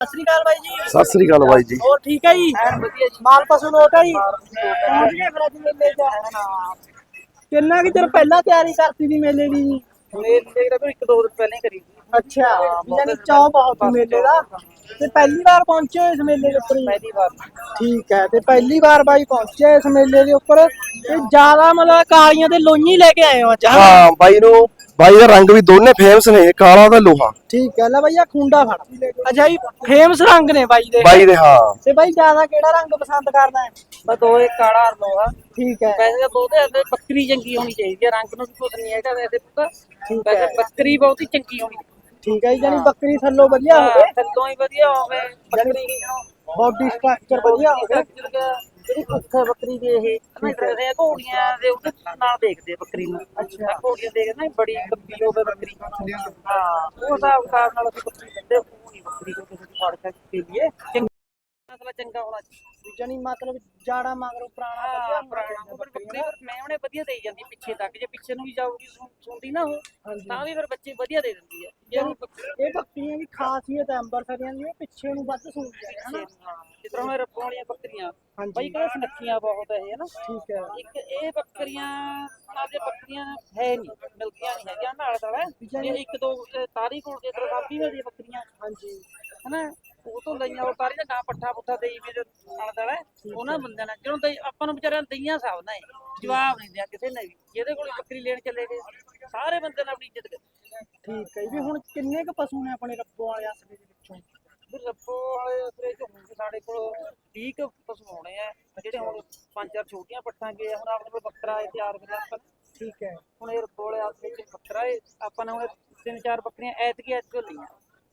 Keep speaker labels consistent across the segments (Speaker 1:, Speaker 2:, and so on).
Speaker 1: ਸਤਿ ਸ੍ਰੀ ਅਕਾਲ ਬਾਈ ਜੀ।
Speaker 2: ਸਤਿ ਸ੍ਰੀ ਅਕਾਲ ਬਾਈ ਜੀ।
Speaker 1: ਹੋਰ ਠੀਕ ਹੈ ਜੀ? ਵਧੀਆ ਜੀ। ਮਾਲ ਪਸ਼ੂ ਲੋਟ ਹੈ ਜੀ। ਪਹੁੰਚ ਗਏ ਫਿਰ ਅੱਜ ਮੇਲੇ 'ਚ। ਕਿੰਨਾ ਕਿ ਚਿਰ ਪਹਿਲਾਂ ਤਿਆਰੀ ਕਰਤੀ ਸੀ ਮੇਲੇ ਦੀ ਜੀ?
Speaker 3: ਮੇਲੇ ਦਾ ਕੋਈ 1-2 ਦਿਨ ਪਹਿਲਾਂ ਹੀ ਕਰੀ ਸੀ।
Speaker 1: ਅੱਛਾ, ਯਾਨੀ ਚਾਅ ਬਹੁਤ ਸੀ ਮੇਲੇ ਦਾ। ਤੇ ਪਹਿਲੀ ਵਾਰ ਪਹੁੰਚੇ ਹੋ ਇਸ ਮੇਲੇ ਦੇ ਉੱਪਰ ਜੀ?
Speaker 3: ਪਹਿਲੀ ਵਾਰ।
Speaker 1: ਠੀਕ ਹੈ, ਤੇ ਪਹਿਲੀ ਵਾਰ ਬਾਈ ਪਹੁੰਚੇ ਇਸ ਮੇਲੇ ਦੇ ਉੱਪਰ ਤੇ ਜ਼ਿਆਦਾ ਮਤਲਬ ਕਾਲੀਆਂ ਤੇ ਲੋਈਆਂ ਲੈ ਕੇ ਆਏ ਹੋ ਅੱਜ?
Speaker 2: ਹਾਂ ਬਾਈ ਦਾ ਰੰਗ ਵੀ ਦੋਨੇ ਫੇਮਸ ਨੇ, ਕਾਲਾ ਤੇ ਲੋਹਾ।
Speaker 1: ਠੀਕ ਹੈ, ਲੈ ਬਾਈ ਆ ਖੁੰਡਾ ਫੜ। ਅੱਛਾ ਜੀ, ਫੇਮਸ ਰੰਗ ਨੇ ਬਾਈ ਦੇ।
Speaker 2: ਹਾਂ।
Speaker 1: ਤੇ ਬਾਈ ਜ਼ਿਆਦਾ ਕਿਹੜਾ ਰੰਗ ਪਸੰਦ ਕਰਦਾ ਹੈ?
Speaker 3: ਬਸ ਦੋਏ ਕਾਲਾ ਔਰ ਲੋਹਾ।
Speaker 1: ਠੀਕ ਹੈ।
Speaker 3: ਵੈਸੇ ਤਾਂ ਬਹੁਤੇ ਤੇ ਬੱਕਰੀ ਚੰਗੀ ਹੋਣੀ ਚਾਹੀਦੀ ਹੈ, ਰੰਗ ਨੂੰ ਵੀ ਕੁਝ ਨਹੀਂ ਹੈਗਾ ਵੈਸੇ ਤਾਂ।
Speaker 1: ਠੀਕ
Speaker 3: ਵੈਸੇ
Speaker 1: ਹੈ।
Speaker 3: ਬੱਕਰੀ ਬਹੁਤੀ ਚੰਗੀ ਹੋਣੀ ਚਾਹੀਦੀ।
Speaker 1: ਠੀਕ ਹੈ, ਯਾਨੀ ਬੱਕਰੀ ਥੱਲੋਂ ਵਧੀਆ ਹੋਵੇ,
Speaker 3: ਥੱਲੋਂ ਹੀ ਵਧੀਆ ਹੋਵੇ ਬੱਕਰੀ ਦੀ,
Speaker 1: ਬਾਡੀ ਸਟਰਕਚਰ ਵਧੀਆ ਹੋਵੇ।
Speaker 3: ਜਿਹੜੀ ਭੁੱਖ ਹੈ ਬੱਕਰੀ ਦੀ ਇਹ ਨਾ ਘੋੜੀਆਂ ਦੇ ਉਹਦੇ ਨਾਲ ਦੇਖਦੇ ਬੱਕਰੀ ਨੂੰ।
Speaker 1: ਅੱਛਾ।
Speaker 3: ਘੋੜੀਆਂ ਦੇਖਦੇ ਨਾ ਬੜੀ ਲੰਬੀ ਹੋਵੇ ਬੱਕਰੀ। ਹਾਂ, ਉਹ ਹਿਸਾਬ ਨਾਲ ਅਸੀਂ ਬੱਕਰੀ ਦਿੰਦੇ। ਉਹ ਨਹੀਂ ਬੱਕਰੀ को ਕਿਸੇ ਦੀ ਫੜ ਕੇ ਲਈਏ, ਮਤਲਬ ਚੰਗਾ ਹੋਣਾ ਚਾਹੀਦਾ।
Speaker 1: ਜਾਨੀ ਮਤਲਬ ਜਾੜਾ ਮਗਰੋਂ ਪੁਰਾਣਾ ਵਧੀਆ
Speaker 3: ਪੁਰਾਣਾ ਬੱਕਰੀ ਮੈਂ ਉਹਨੇ ਵਧੀਆ ਦੇਈ ਜਾਂਦੀ ਪਿੱਛੇ ਤੱਕ। ਜੇ ਪਿੱਛੇ ਨੂੰ ਵੀ ਜਾਊਗੀ ਸੁਣਦੀ ਨਾ ਉਹ, ਤਾਂ ਵੀ ਫਿਰ ਬੱਚੇ ਵਧੀਆ ਦੇ ਦਿੰਦੀ ਹੈ।
Speaker 1: ਇਹ ਬੱਕਰੀਆਂ ਦੀ ਖਾਸੀਅਤ ਹੈ ਅੰਬਰਸਰੀਆਂ ਦੀ, ਪਿੱਛੇ ਨੂੰ ਵੱਧ ਸੁਣਦੀਆਂ ਨੇ ਹਨਾ।
Speaker 3: ਜਿਸ ਤਰ੍ਹਾਂ ਰੱਬੋਂ ਵਾਲੀਆਂ ਬੱਕਰੀਆਂ ਬਾਈ ਕਹਿੰਦੇ ਸੁਨੱਖੀਆਂ ਬਹੁਤ ਹੈ ਇਹ ਨਾ।
Speaker 1: ਠੀਕ ਹੈ।
Speaker 3: ਇੱਕ ਇਹ ਬੱਕਰੀਆਂ ਨਾਲ ਦੇ ਬੱਕਰੀਆਂ ਹੈ ਨਹੀਂ, ਮਿਲਦੀਆਂ ਨਹੀਂ ਹੈਗੀਆਂ ਨਾਲ ਦਾ। ਇਹ 1-2 ਤਾਰੀ ਕੋਲ ਦੇ ਸਾਬੀ ਵਾਲੀ ਬੱਕਰੀਆਂ ਹਨਾ, ਉਹ ਤੋਂ ਲਈਆਂ। ਉਹ ਤਾਰੀ ਦਾ ਗਾਂ ਪੱਠਾ ਦੇਈ ਮੇਰੇ ਨਾਲ ਦਾ ਉਹਨਾਂ ਬੰਦਿਆਂ ਨੇ ਜਦੋਂ ਆਪਾਂ ਨੂੰ ਵਿਚਾਰਿਆਂ ਦਈਆਂ ਸਭ ਨੇ ਜਵਾਬ ਨਹੀਂ ਦਿਆ ਕਿਸੇ ਨੇ ਵੀ। ਜਿਹਦੇ ਕੋਲ ਬੱਕਰੀ ਲੈਣ ਚਲੇ ਗਏ ਸਾਰੇ ਬੰਦੇ ਨੇ ਆਪਣੀ ਇੱਜ਼ਤ ਕੀਤੀ।
Speaker 1: ਠੀਕ ਹੈ ਵੀ ਹੁਣ ਕਿੰਨੇ ਕੁ ਪਸ਼ੂ ਨੇ ਆਪਣੇ ਰੱਬੋ ਵਾਲੇ ਅਸਲੇ ਦੇ ਵਿੱਚੋਂ?
Speaker 3: ਰੱਬੋ ਵਾਲੇ ਅਸਲੇ ਚ ਹੋਣਗੇ ਸਾਡੇ ਕੋਲ 20 ਕੁ ਪਸ਼ੂ ਹੋਣੇ ਆ, ਜਿਹੜੇ ਹੁਣ 5-4 ਛੋਟੀਆਂ ਪੱਠਾਂ ਗਏ ਹੁਣ ਆਪਣੇ ਕੋਲ ਬੱਕਰਾ ਹੈ ਤਿਆਰ ਕਰ।
Speaker 1: ਠੀਕ ਹੈ।
Speaker 3: ਹੁਣ ਇਹ ਰੱਬੋ ਵਾਲੇ ਅਸਲੇ ਚ ਬੱਕਰਾ ਹੈ। ਆਪਾਂ ਨੇ ਹੁਣ 3-4 ਬੱਕਰੀਆਂ ਐਤਕੀ ਲਈਆਂ।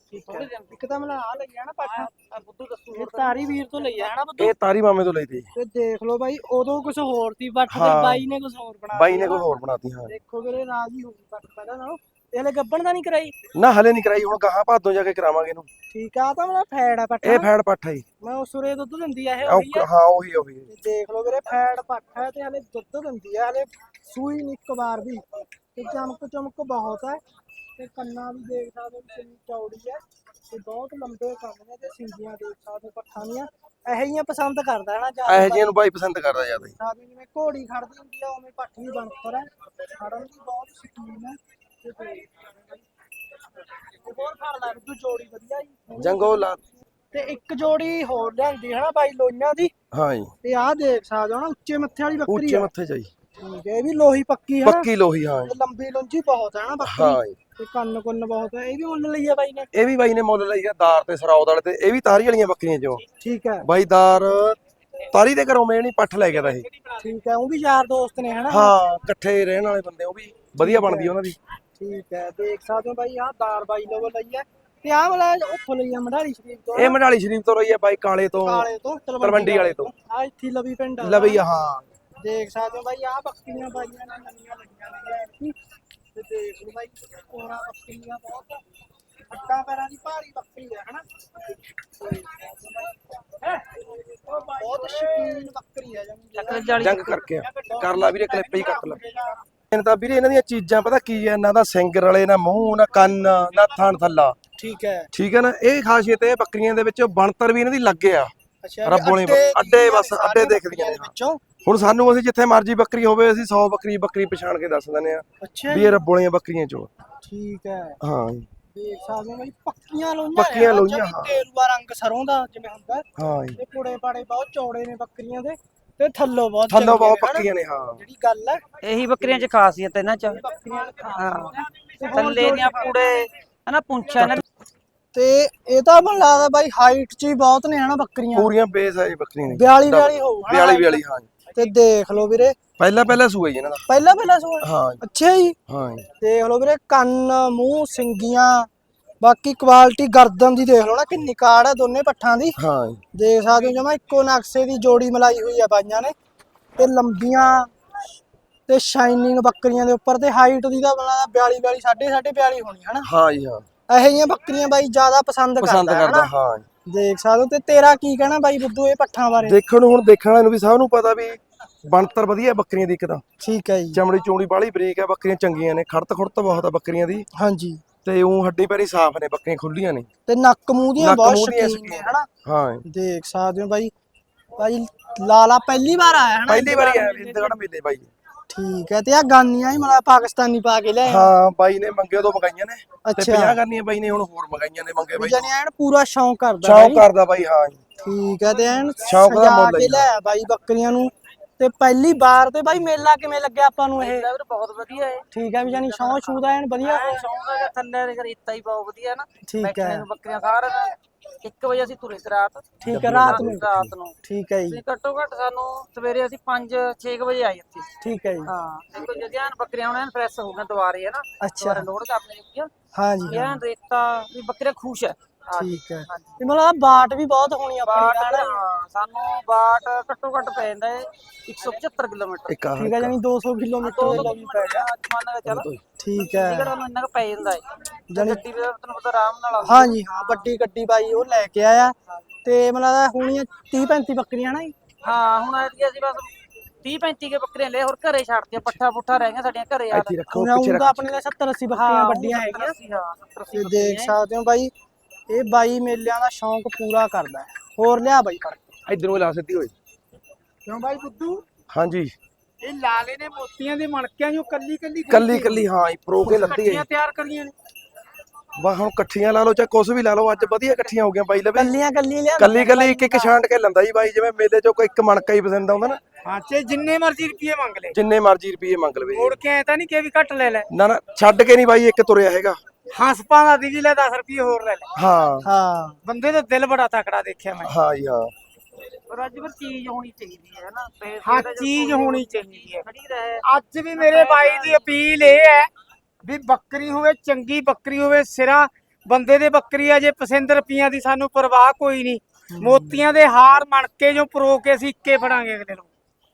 Speaker 1: ਇੱਕ ਤਾਂ ਮਤਲਬ ਆ ਲਈ ਨਾ ਪੱਠਾ
Speaker 3: ਬੁੱਧੂ ਦੱਸੂ
Speaker 1: ਤਾਰੀ ਵੀਰ ਤੋਂ ਲਈ ਹੈ ਨਾ ਬੁੱਧੂ?
Speaker 2: ਇਹ ਤਾਰੀ ਮਾਮੇ ਤੋਂ ਲਈ ਤੀ।
Speaker 1: ਤੇ ਦੇਖ ਲਓ ਬਾਈ, ਉਦੋਂ ਕੁਝ ਹੋਰ ਸੀ ਬੱਠ ਤੇ ਬਾਈ ਨੇ ਕੁਝ ਹੋਰ ਬਣਾ
Speaker 2: ਬਾਈ ਨੇ ਕੁਝ ਹੋਰ ਬਣਾਤੀ। ਹਾਂ,
Speaker 1: ਦੇਖੋ ਵੀਰੇ ਰਾਜੀ ਹੋ ਗਈ ਬੱਠ ਪਹਿਲਾਂ ਨਾਲੋਂ। ਇਹ ਹਲੇ ਗੱਬਣ ਦਾ ਨਹੀਂ ਕਰਾਈ
Speaker 2: ਨਾ ਹਲੇ ਨਹੀਂ ਕਰਾਈ, ਹੁਣ ਗਾਹਾਂ ਭਾਦੋਂ ਜਾ ਕੇ ਕਰਾਵਾਂਗੇ ਇਹਨੂੰ।
Speaker 1: ਠੀਕ ਆ, ਤਾਂ ਮੇਰਾ ਫੈੜ ਆ ਪੱਠਾ।
Speaker 2: ਇਹ ਫੈੜ ਪੱਠਾ ਹੀ
Speaker 1: ਮੈਂ ਉਸਰੇ ਦੁੱਧ ਦਿੰਦੀ ਆ ਇਹ ਉਹੀ ਆ।
Speaker 2: ਹਾਂ ਉਹੀ
Speaker 1: ਦੇਖ ਲਓ ਵੀਰੇ, ਫੈੜ ਪੱਠਾ ਹੈ ਤੇ ਹਲੇ ਦੁੱਧ ਦਿੰਦੀ ਆ, ਹਲੇ ਸੂਈ ਨਹੀਂ ਇੱਕ ਵਾਰ ਵੀ। ਤੇ ਚਮਕ ਬਹੁਤ ਹੈ ਤੇ ਕੰਨਾਂ ਵੀ ਦੇਖ ਸਕਦੇ ਹੋ ਕਿੰਨੀ ਚੌੜੀ ਹੈ ਤੇ ਬਹੁਤ ਲੰਬੇ ਕੰਨ ਨੇ ਤੇ ਸਿੰਗੀਆਂ ਦੇਖ ਸਕਦੇ ਹੋ ਪੱਠਾਂ ਦੀਆਂ। ਇਹੋ ਜਿਹੀਆਂ ਪਸੰਦ ਕਰਦਾ ਹੈ ਨਾ ਜ਼ਿਆਦਾ।
Speaker 2: ਇਹੋ ਜਿਹੀਆਂ ਨੂੰ ਬਾਈ ਪਸੰਦ ਕਰਦਾ ਜ਼ਿਆਦਾ।
Speaker 1: ਜਿਵੇਂ ਘੋੜੀ ਖੜਦੀ ਹੁੰਦੀ ਆ ਉਵੇਂ ਪੱਠ ਵੀ ਬਣਤਰ ਹੈ, ਖੜਨ ਦੀ ਬਹੁਤ ਸ਼ਕੀਨ ਹੈ। ਬਹੁਤ ਫੜ ਲਾ ਤੂੰ, ਜੋੜੀ ਵਧੀਆ ਜੀ
Speaker 2: ਜੰਗੋ ਲਾ।
Speaker 1: ਤੇ ਇੱਕ ਜੋੜੀ ਹੋਰ ਲਿਆਂਦੀ ਹੈ ਨਾ ਬਾਈ ਲੋਈਆਂ ਦੀ।
Speaker 2: ਹਾਂ ਜੀ,
Speaker 1: ਤੇ ਆਹ ਦੇਖ ਸਕਦੇ ਹੋ ਨਾ ਉੱਚੇ ਮੱਥੇ ਵਾਲੀ ਬੱਕਰੀ
Speaker 2: ਉੱਚੇ
Speaker 1: ਹੈ।
Speaker 2: ਮੱਥੇ ਜਾਈ
Speaker 1: ਠੀਕ ਹੈ, ਇਹ ਵੀ ਲੋਹੀ ਪੱਕੀ ਹੈ ਨਾ?
Speaker 2: ਪੱਕੀ ਲੋਹੀ। ਹਾਂ
Speaker 1: ਤੇ ਲੰਬੀ ਲੁੰਜੀ ਬਹੁਤ ਹੈ ਨਾ ਬੱਕਰੀ।
Speaker 2: ਹਾਂ ਜੀ,
Speaker 1: ਤੇ ਕੰਨ ਕੁੰਨ ਬਹੁਤ ਹੈ। ਇਹ ਵੀ ਮੁੱਲ ਲਈ ਆ ਬਾਈ ਨੇ?
Speaker 2: ਇਹ ਵੀ ਬਾਈ ਨੇ ਮੁੱਲ ਲਈ ਆ ਦਾਰ ਤੇ ਸਰੌਦ ਵਾਲੇ ਤੇ। ਇਹ ਵੀ ਤਾਰੀ ਵਾਲੀਆਂ ਬੱਕਰੀਆਂ ਚੋਂ।
Speaker 1: ਠੀਕ ਹੈ
Speaker 2: ਬਾਈ ਦਾਰ ਤਾਰੀ ਦੇ ਘਰੋਂ ਮੈਂ ਨਹੀਂ ਪੱਠ ਲੈ ਗਿਆ ਤਾਂ ਇਹ।
Speaker 1: ਠੀਕ ਹੈ, ਉਹ ਵੀ ਯਾਰ ਦੋਸਤ ਨੇ ਹਨਾ?
Speaker 2: ਹਾਂ, ਇਕੱਠੇ ਰਹਿਣ ਵਾਲੇ ਬੰਦੇ, ਉਹ ਵੀ ਵਧੀਆ ਬਣਦੀ ਉਹਨਾਂ ਦੀ।
Speaker 1: ਠੀਕ ਹੈ, ਦੇਖ ਸਕਦੇ ਹੋ ਬਾਈ ਆਹ ਦਾਰ ਬਾਈ ਲੋਵਲ ਲਈ ਹੈ। ਤੇ ਆਹ ਵਾਲਾ ਉੱਥੋਂ ਲਈ ਆ ਮਢਾਲੀ ਸ਼ਰੀਫ ਤੋਂ?
Speaker 2: ਇਹ ਮਢਾਲੀ ਸ਼ਰੀਫ ਤੋਂ ਰਹੀ ਹੈ ਬਾਈ, ਕਾਲੇ ਤੋਂ
Speaker 1: ਤਲਵੰਡੀ
Speaker 2: ਵਾਲੇ ਤੋਂ।
Speaker 1: ਆ ਇੱਥੇ ਲਵੀ ਪਿੰਡ
Speaker 2: ਲਵੀ। ਹਾਂ,
Speaker 1: ਦੇਖ ਸਕਦੇ ਹੋ ਬਾਈ ਆਹ ਬੱਕਰੀਆਂ ਬਾਈਆਂ ਨੇ ਨਵੀਆਂ ਲੱਗੀਆਂ ਨੇ ਤੇ ਦੇਖ ਲਓ ਬਾਈ ਕੋਰਾ ਬੱਕਰੀਆਂ ਬਹੁਤ ਅੱਡਾ ਪੈਰਾਂ ਦੀ ਭਾਰੀ ਬੱਕਰੀ ਹੈ ਹਨਾ। ਬਹੁਤ ਸ਼ਕੀਨ ਬੱਕਰੀ ਹੈ
Speaker 2: ਜੰਗ ਕਰਕੇ ਕਰ ਲਾ ਵੀਰੇ, ਕਲਿੱਪ ਹੀ ਕੱਟ ਲਾ। ਇਹਨਾਂ ਤਾਂ ਵੀਰੇ ਇਹਨਾਂ ਦੀਆਂ ਚੀਜ਼ਾਂ ਪਤਾ ਕੀ ਹੈ, ਨਾ ਤਾਂ ਸਿੰਗ ਰਲੇ, ਨਾ ਮੂੰਹ, ਨਾ ਕੰਨ, ਨਾ ਥਣ ਥੱਲਾ।
Speaker 1: ਠੀਕ ਹੈ।
Speaker 2: ਠੀਕ ਹੈ ਨਾ, ਇਹ ਖਾਸੀਅਤ ਹੈ ਬੱਕਰੀਆਂ ਦੇ ਵਿੱਚ। ਬਣਤਰ ਵੀ ਇਹਨਾਂ ਦੀ ਲੱਗੇ ਆ
Speaker 1: ਅੱਛਾ,
Speaker 2: ਰੱਬੋਂ ਨੇ ਅੱਡੇ, ਬਸ ਅੱਡੇ ਦੇਖਦੀਆਂ ਨੇ। ਹੁਣ ਸਾਨੂੰ ਅਸੀਂ ਜਿੱਥੇ ਮਰਜੀ ਬੱਕਰੀ ਹੋਵੇ, ਅਸੀਂ 100 ਬੱਕਰੀ ਪਛਾਣ ਕੇ ਦੱਸ ਦਿੰਦੇ ਆ ਵੀ ਇਹ ਰੱਬੋਂ ਵਾਲੀਆਂ ਬੱਕਰੀਆਂ ਚੋਂ।
Speaker 1: ਠੀਕ ਹੈ।
Speaker 2: ਹਾਂ,
Speaker 1: ਦੇਖ ਸਕਦੇ ਹੋ ਬਾਈ ਪੱਕੀਆਂ
Speaker 2: ਲੋਈਆਂ
Speaker 1: ਹਾਂ। ਤੇਰੂਆ ਰੰਗ ਸਰੋਂ ਦਾ ਜਿਵੇਂ ਹੁੰਦਾ।
Speaker 2: ਹਾਂ,
Speaker 1: ਇਹ ਪੁੜੇ ਪਾੜੇ ਬਹੁਤ ਚੌੜੇ ਨੇ ਬੱਕਰੀਆਂ ਦੇ ਤੇ ਥੱਲੋਂ ਬਹੁਤ
Speaker 2: ਪੱਕੀਆਂ ਨੇ। ਹਾਂ,
Speaker 1: ਜਿਹੜੀ ਗੱਲ ਹੈ
Speaker 3: ਇਹੀ ਬੱਕਰੀਆਂ ਚ ਖਾਸੀਅਤ ਇਹਨਾਂ ਚ।
Speaker 1: ਹਾਂ,
Speaker 3: ਥੱਲੇ ਦੀਆਂ ਪੂੜੇ ਹਨਾ, ਪੁੰਛਾਂ ਇਹਨਾਂ
Speaker 1: ਤੇ ਇਹ ਤਾਂ ਮੈਨੂੰ ਲੱਗਦਾ ਬਾਈ ਹਾਈਟ ਚ ਹੀ ਬਹੁਤ ਨੇ ਹਨਾ ਬੱਕਰੀਆਂ।
Speaker 2: ਪੂਰੀਆਂ ਬੇਸ ਹੈ ਬੱਕਰੀਆਂ ਨੇ।
Speaker 1: 42 ਹੋਊ
Speaker 2: 42। ਹਾਂ,
Speaker 1: ਤੇ ਦੇਖ ਲਓ ਵੀਰੇ
Speaker 2: ਪਹਿਲਾ ਸੂਆ ਜੀ ਇਹਨਾਂ ਦਾ।
Speaker 1: ਪਹਿਲਾ ਸੂਆ।
Speaker 2: ਹਾਂ
Speaker 1: ਅੱਛਾ ਜੀ।
Speaker 2: ਹਾਂ,
Speaker 1: ਦੇਖ ਲਓ ਵੀਰੇ, ਕੰਨ, ਮੂੰਹ, ਸਿੰਗੀਆਂ, ਬਾਕੀ ਕੁਆਲਿਟੀ ਗਰਦਨ ਦੀ ਦੇਖ ਲਓ ਨਾ ਕਿੰਨੀ ਕਾੜ ਹੈ ਦੋਨੇ ਪੱਠਾਂ ਦੀ।
Speaker 2: ਹਾਂ,
Speaker 1: ਦੇਖ ਸਕਦੇ ਹੋ ਜਮਾ ਇੱਕੋ ਨਕਸ਼ੇ ਦੀ ਜੋੜੀ ਮਲਾਈ ਹੋਈ ਆ ਬਾਈਆਂ ਨੇ। ਤੇ ਲੰਬੀਆਂ ਤੇ ਸ਼ਾਈਨਿੰਗ ਬੱਕਰੀਆਂ ਦੇ ਉੱਪਰ ਤੇ ਹਾਈਟ ਦੀ ਤਾਂ 42 42 ਹੋਣੀ ਹਨਾ।
Speaker 2: ਹਾਂ ਜੀ। ਹਾਂ,
Speaker 1: ਇਹੋ ਜਿਹੀਆਂ ਬੱਕਰੀਆਂ ਬਾਈ ਜ਼ਿਆਦਾ ਪਸੰਦ ਕਰਦਾ।
Speaker 2: ਹਾਂ,
Speaker 1: ਦੇਖ ਸਕਦੇ ਹੋ। ਤੇ ਤੇਰਾ ਕੀ ਕਹਿਣਾ ਬਾਈ ਬੁੱਧੂ ਇਹ ਪੱਠਾਂ ਬਾਰੇ?
Speaker 2: ਦੇਖਣ ਵਾਲਿਆਂ ਨੂੰ ਵੀ ਸਭ ਨੂੰ ਪਤਾ ਵੀ ਬਣਤਰ ਵਧੀਆ ਬੱਕਰੀਆਂ ਦੀ। ਇੱਕ ਤਾਂ
Speaker 1: ਠੀਕ ਹੈ ਜੀ।
Speaker 2: ਚਮੜੀ ਚੂੜੀ ਬਾਹਲੀ ਬਰੀਕ ਹੈ, ਬੱਕਰੀਆਂ ਚੰਗੀਆਂ ਨੇ, ਖੜਤ ਬਹੁਤ ਆ ਬੱਕਰੀਆਂ ਦੀ।
Speaker 1: ਹਾਂਜੀ।
Speaker 2: ਤੇ ਉਹ ਹੱਡੀ ਪੈਰੀ ਸਾਫ਼ ਨੇ, ਬੱਕਰੀਆਂ ਖੁੱਲੀਆਂ ਨੇ
Speaker 1: ਤੇ ਨੱਕ ਮੂੰਹ ਦੀਆਂ
Speaker 2: ਨੱਕ
Speaker 1: ਬਹੁਤ
Speaker 2: ਮੂੰਹ ਦੀਆਂ
Speaker 1: ਸ਼ਕੀਨ ਨੇ
Speaker 2: ਸ਼ੌਕੀਨ।
Speaker 1: ਹਨਾ।
Speaker 2: ਹਾਂ
Speaker 1: ਦੇਖ ਸਕਦੇ ਹੋ ਬਾਈ। ਬਾਈ ਲਾਲਾ ਪਹਿਲੀ ਵਾਰ ਆਇਆ ਹਨਾ
Speaker 2: ਪਹਿਲੀ ਵਾਰੀ
Speaker 1: ਇੰਦਗੜ
Speaker 2: ਆਇਆ
Speaker 1: ਮੇਲੇ
Speaker 2: ਇੰਦਗੜ ਮੇਲੇ ਬਾਈ।
Speaker 1: ਠੀਕ ਹੈ। ਤੇ ਆ ਗਾਨੀਆਂ ਹੀ ਮਤਲਬ ਪਾਕਿਸਤਾਨੀ ਪਾ ਕੇ ਲਿਆਏ ਹੋ?
Speaker 2: ਹਾਂ ਬਾਈ ਨੇ ਮੰਗੇ ਤੋਂ ਮਗਾਈਆਂ ਨੇ ਤੇ
Speaker 1: ਅੱਛਾ।
Speaker 2: 50 ਕਰਨੀਆਂ ਬਾਈ ਨੇ ਹੁਣ ਹੋਰ ਮਗਾਈਆਂ ਨੇ ਮੰਗੇ ਬਾਈ
Speaker 1: ਜਾਨੀ ਐਨ ਪੂਰਾ ਸ਼ੌਂਕ ਕਰਦਾ
Speaker 2: ਸ਼ੌਂਕ
Speaker 1: ਬਾਈ।
Speaker 2: ਕਰਦਾ ਬਾਈ। ਹਾਂ
Speaker 1: ਠੀਕ ਹੈ। ਤੇ ਐਨ
Speaker 2: ਸ਼ੌਂਕ ਦਾ
Speaker 1: ਸਜਾ
Speaker 2: ਮੁੱਲ ਹੈ
Speaker 1: ਕੇ
Speaker 2: ਜੀ।
Speaker 1: ਲਿਆਇਆ ਬਾਈ ਬੱਕਰੀਆਂ ਨੂੰ। ਤੇ ਪਹਿਲੀ ਵਾਰ ਤੇ ਬਾਈ ਮੇਲਾ ਕਿਵੇਂ ਲੱਗਿਆ ਆਪਾਂ ਨੂੰ ਇਹ?
Speaker 3: ਮੇਲਾ ਵੀਰ ਬਹੁਤ ਵਧੀਆ ਹੈ।
Speaker 1: ਠੀਕ ਹੈ ਵੀ ਜਾਨੀ ਸ਼ੌਂਕ ਸ਼ੂ ਦਾ ਐਨ ਵਧੀਆ ਹੋਇਆ।
Speaker 3: ਸ਼ੌਂਕ ਦਾ ਥੱਲੇ ਦੇ ਰੇਤਾ ਹੀ ਬਹੁਤ ਵਧੀਆ ਨਾ।
Speaker 1: ਠੀਕ
Speaker 3: ਬੈਠਣੇ
Speaker 1: ਹੈ।
Speaker 3: ਨੂੰ ਬੱਕਰੀਆਂ ਸਾਰਾ ਦਿਨ 1 ਵਜੇ ਅਸੀਂ ਤੁਰੇ ਸੀ ਰਾਤ।
Speaker 1: ਠੀਕ ਹੈ ਰਾਤ ਨੂੰ।
Speaker 3: ਰਾਤ ਨੂੰ
Speaker 1: ਠੀਕ ਹੈ ਜੀ।
Speaker 3: ਅਸੀਂ ਘੱਟੋ ਘੱਟ ਸਾਨੂੰ ਸਵੇਰੇ ਅਸੀਂ 5-6 ਵਜੇ ਆਏ ਇੱਥੇ।
Speaker 1: ਠੀਕ ਹੈ ਜੀ।
Speaker 3: ਹਾਂ ਤੇ ਕੋਈ ਜਗ੍ਹਾ ਬੱਕਰੀਆਂ ਹੁਣ ਫਰੈਸ਼ ਹੋ ਗਈਆਂ ਦੁਬਾਰੇ ਹੈ ਨਾ।
Speaker 1: ਅੱਛਾ।
Speaker 3: ਦੁਬਾਰੇ ਲੋਡ ਕਰਨੇ ਲੱਗੀਆਂ।
Speaker 1: ਹਾਂਜੀ
Speaker 3: ਇਹ ਰੇਤਾ ਵੀ ਬੱਕਰੇ ਖੁਸ਼ ਹੈ।
Speaker 1: ਠੀਕ ਹੈ। ਤੇ ਮਤਲਬ ਬਾਟ ਵੀ ਬਹੁਤ ਹੋਣੀ ਆਪਣੀ
Speaker 3: ਬਾਟ
Speaker 1: ਦਾ ਹਨਾ।
Speaker 3: ਹਾਂ ਸਾਨੂੰ ਬਾਟ ਘੱਟੋ ਘੱਟ ਪੈ ਜਾਂਦਾ ਹੈ 175 ਕਿਲੋਮੀਟਰ।
Speaker 2: ਇੱਕ ਆ
Speaker 1: ਠੀਕ ਹੈ ਜਾਨੀ 200 ਕਿਲੋਮੀਟਰ ਦੇ ਲਵੀ ਪੈ ਗਿਆ।
Speaker 3: ਮੰਨ ਕੇ ਚੱਲ
Speaker 1: ਠੀਕ ਹੈ।
Speaker 3: ਚੰਡੀਗੜ੍ਹ ਨੂੰ ਇੰਨਾ ਕੁ ਪੈ ਜਾਂਦਾ ਹੈ।
Speaker 1: ਜਾਨੀ
Speaker 3: ਗੱਡੀ ਵੀ ਤੈਨੂੰ ਪਤਾ ਆਰਾਮ ਨਾਲ ਆਉਂਦੀ
Speaker 1: ਹਾਂਜੀ ਹਾਂ ਵੱਡੀ ਗੱਡੀ ਬਾਈ ਉਹ ਲੈ ਕੇ ਆਇਆ। ਤੇ ਮਤਲਬ ਹੋਣੀਆਂ 30-35 ਬੱਕਰੀਆਂ ਨਾ ਜੀ।
Speaker 3: ਹਾਂ ਹੁਣ ਅਸੀਂ ਬਸ 30-35 ਕੇ ਬੱਕਰੀਆਂ ਲੈ ਹੋਰ ਘਰੇ ਛੱਡਤੀਆਂ। ਪੱਠਾ ਪੁੱਠਾ ਰਹਿ ਗਿਆ ਸਾਡੀਆਂ ਘਰੇ ਯਾਰ।
Speaker 2: ਇੱਥੇ ਰੱਖੋ
Speaker 1: ਹੁਣ
Speaker 2: ਪਿੱਛੇ
Speaker 1: ਤਾਂ
Speaker 2: ਰੱਖ।
Speaker 1: ਆਪਣੇ ਲਈ 70-80 ਬੱਕਰੀਆਂ ਵੱਡੀਆਂ ਹੈਗੀਆਂ। ਤੇ ਦੇਖ ਸਕਦੇ ਹੋ ਬਾਈ ਇਹ ਬਾਈ ਮੇਲਿਆਂ ਦਾ ਸ਼ੌਂਕ ਪੂਰਾ ਕਰਦਾ ਹੈ। ਹੋਰ ਲਿਆ ਬਾਈ ਫੜ ਕੇ।
Speaker 2: ਇਧਰੋਂ ਲਾ ਸਿੱਧੀ ਹੋਈ।
Speaker 1: ਕਿਉਂ ਬਾਈ ਬੁੱਧੂ?
Speaker 2: ਹਾਂਜੀ
Speaker 1: ਇਹ ਲਾਲੇ ਨੇ ਮੋਤੀਆਂ ਦੇ ਮਣਕਿਆਂ ਨੂੰ ਕੱਲੀ
Speaker 2: ਕੱਲੀ ਹਾਂ ਪ੍ਰੋ ਕੇ ਲੱਤੀ ਹੈ।
Speaker 1: ਤਿਆਰ ਕਰੀਆਂ ਨੇ।
Speaker 2: ਵਾ ਹੁਣ ਇਕੱਠੀਆਂ ਲਾ ਲਓ ਚਾਹੇ ਕੁਛ ਵੀ ਲਾ ਲਓ। ਅੱਜ ਵਧੀਆ ਇਕੱਠੀਆਂ ਹੋ ਗਈਆਂ ਬਾਈ ਲਵੇ।
Speaker 1: ਕੱਲੀਆਂ ਲਿਆ।
Speaker 2: ਕੱਲੀ ਇੱਕ ਛਾਂਟ ਕੇ ਲੰਦਾ ਜੀ ਬਾਈ। ਜਿਵੇਂ ਮੇਲੇ ਚੋਂ ਕੋਈ ਇੱਕ ਮਣਕਾ ਹੀ ਪਸੰਦ ਆਉਂਦਾ ਨਾ।
Speaker 1: ਹਾਂ ਤੇ ਜਿੰਨੇ ਮਰਜ਼ੀ ਰੁਪਏ ਮੰਗ ਲੈ।
Speaker 2: ਜਿੰਨੇ ਮਰਜ਼ੀ ਰੁਪਏ ਮੰਗ ਲਵੇ
Speaker 1: ਮੋੜ ਕੇ ਐ ਤਾਂ ਨਹੀਂ ਕਿ ਵੀ ਘੱਟ ਲੈ ਲੈ।
Speaker 2: ਨਾ ਛੱਡ ਕੇ ਨਹੀਂ ਬਾਈ ਇੱਕ ਤੁਰਿਆ ਹੈਗਾ।
Speaker 1: ਹਸਪਾਂ ਦਾ ਦੀ ਲੈ 10 ਰੁਪਏ ਹੋਰ ਲੈ ਲੈ।
Speaker 2: ਹਾਂ
Speaker 1: ਹਾਂ ਬੰਦੇ ਦਾ ਦਿਲ ਬੜਾ ਤਕੜਾ ਦੇਖਿਆ ਮੈਂ।
Speaker 2: ਹਾਂ ਜੀ ਹਾਂ।
Speaker 3: ਪਰ ਅੱਜ ਵੀ ਚੀਜ਼ ਹੋਣੀ ਚਾਹੀਦੀ ਹੈ ਨਾ।
Speaker 1: ਹਾਂ ਚੀਜ਼ ਹੋਣੀ ਚਾਹੀਦੀ ਹੈ।
Speaker 3: ਖੜੀ ਰਹੇ।
Speaker 1: ਅੱਜ ਵੀ ਮੇਰੇ ਬਾਈ ਦੀ ਅਪੀਲ ਇਹ ਹੈ ਵੀ ਬੱਕਰੀ ਹੋਵੇ ਚੰਗੀ ਬੱਕਰੀ ਹੋਵੇ ਸਿਰਾ ਬੰਦੇ ਦੇ ਬੱਕਰੀ ਆ ਜੇ ਪਸੰਦ ਰੁਪਈਆਂ ਦੀ ਸਾਨੂੰ ਪਰਵਾਹ ਕੋਈ ਨਹੀਂ। ਮੋਤੀਆਂ ਦੇ ਹਾਰ ਮਣਕੇ ਜੋ ਪਰੋ ਕੇ ਅਸੀਂ ਇੱਕੇ ਫੜਾਂਗੇ ਅਗਲੇ ਨੂੰ।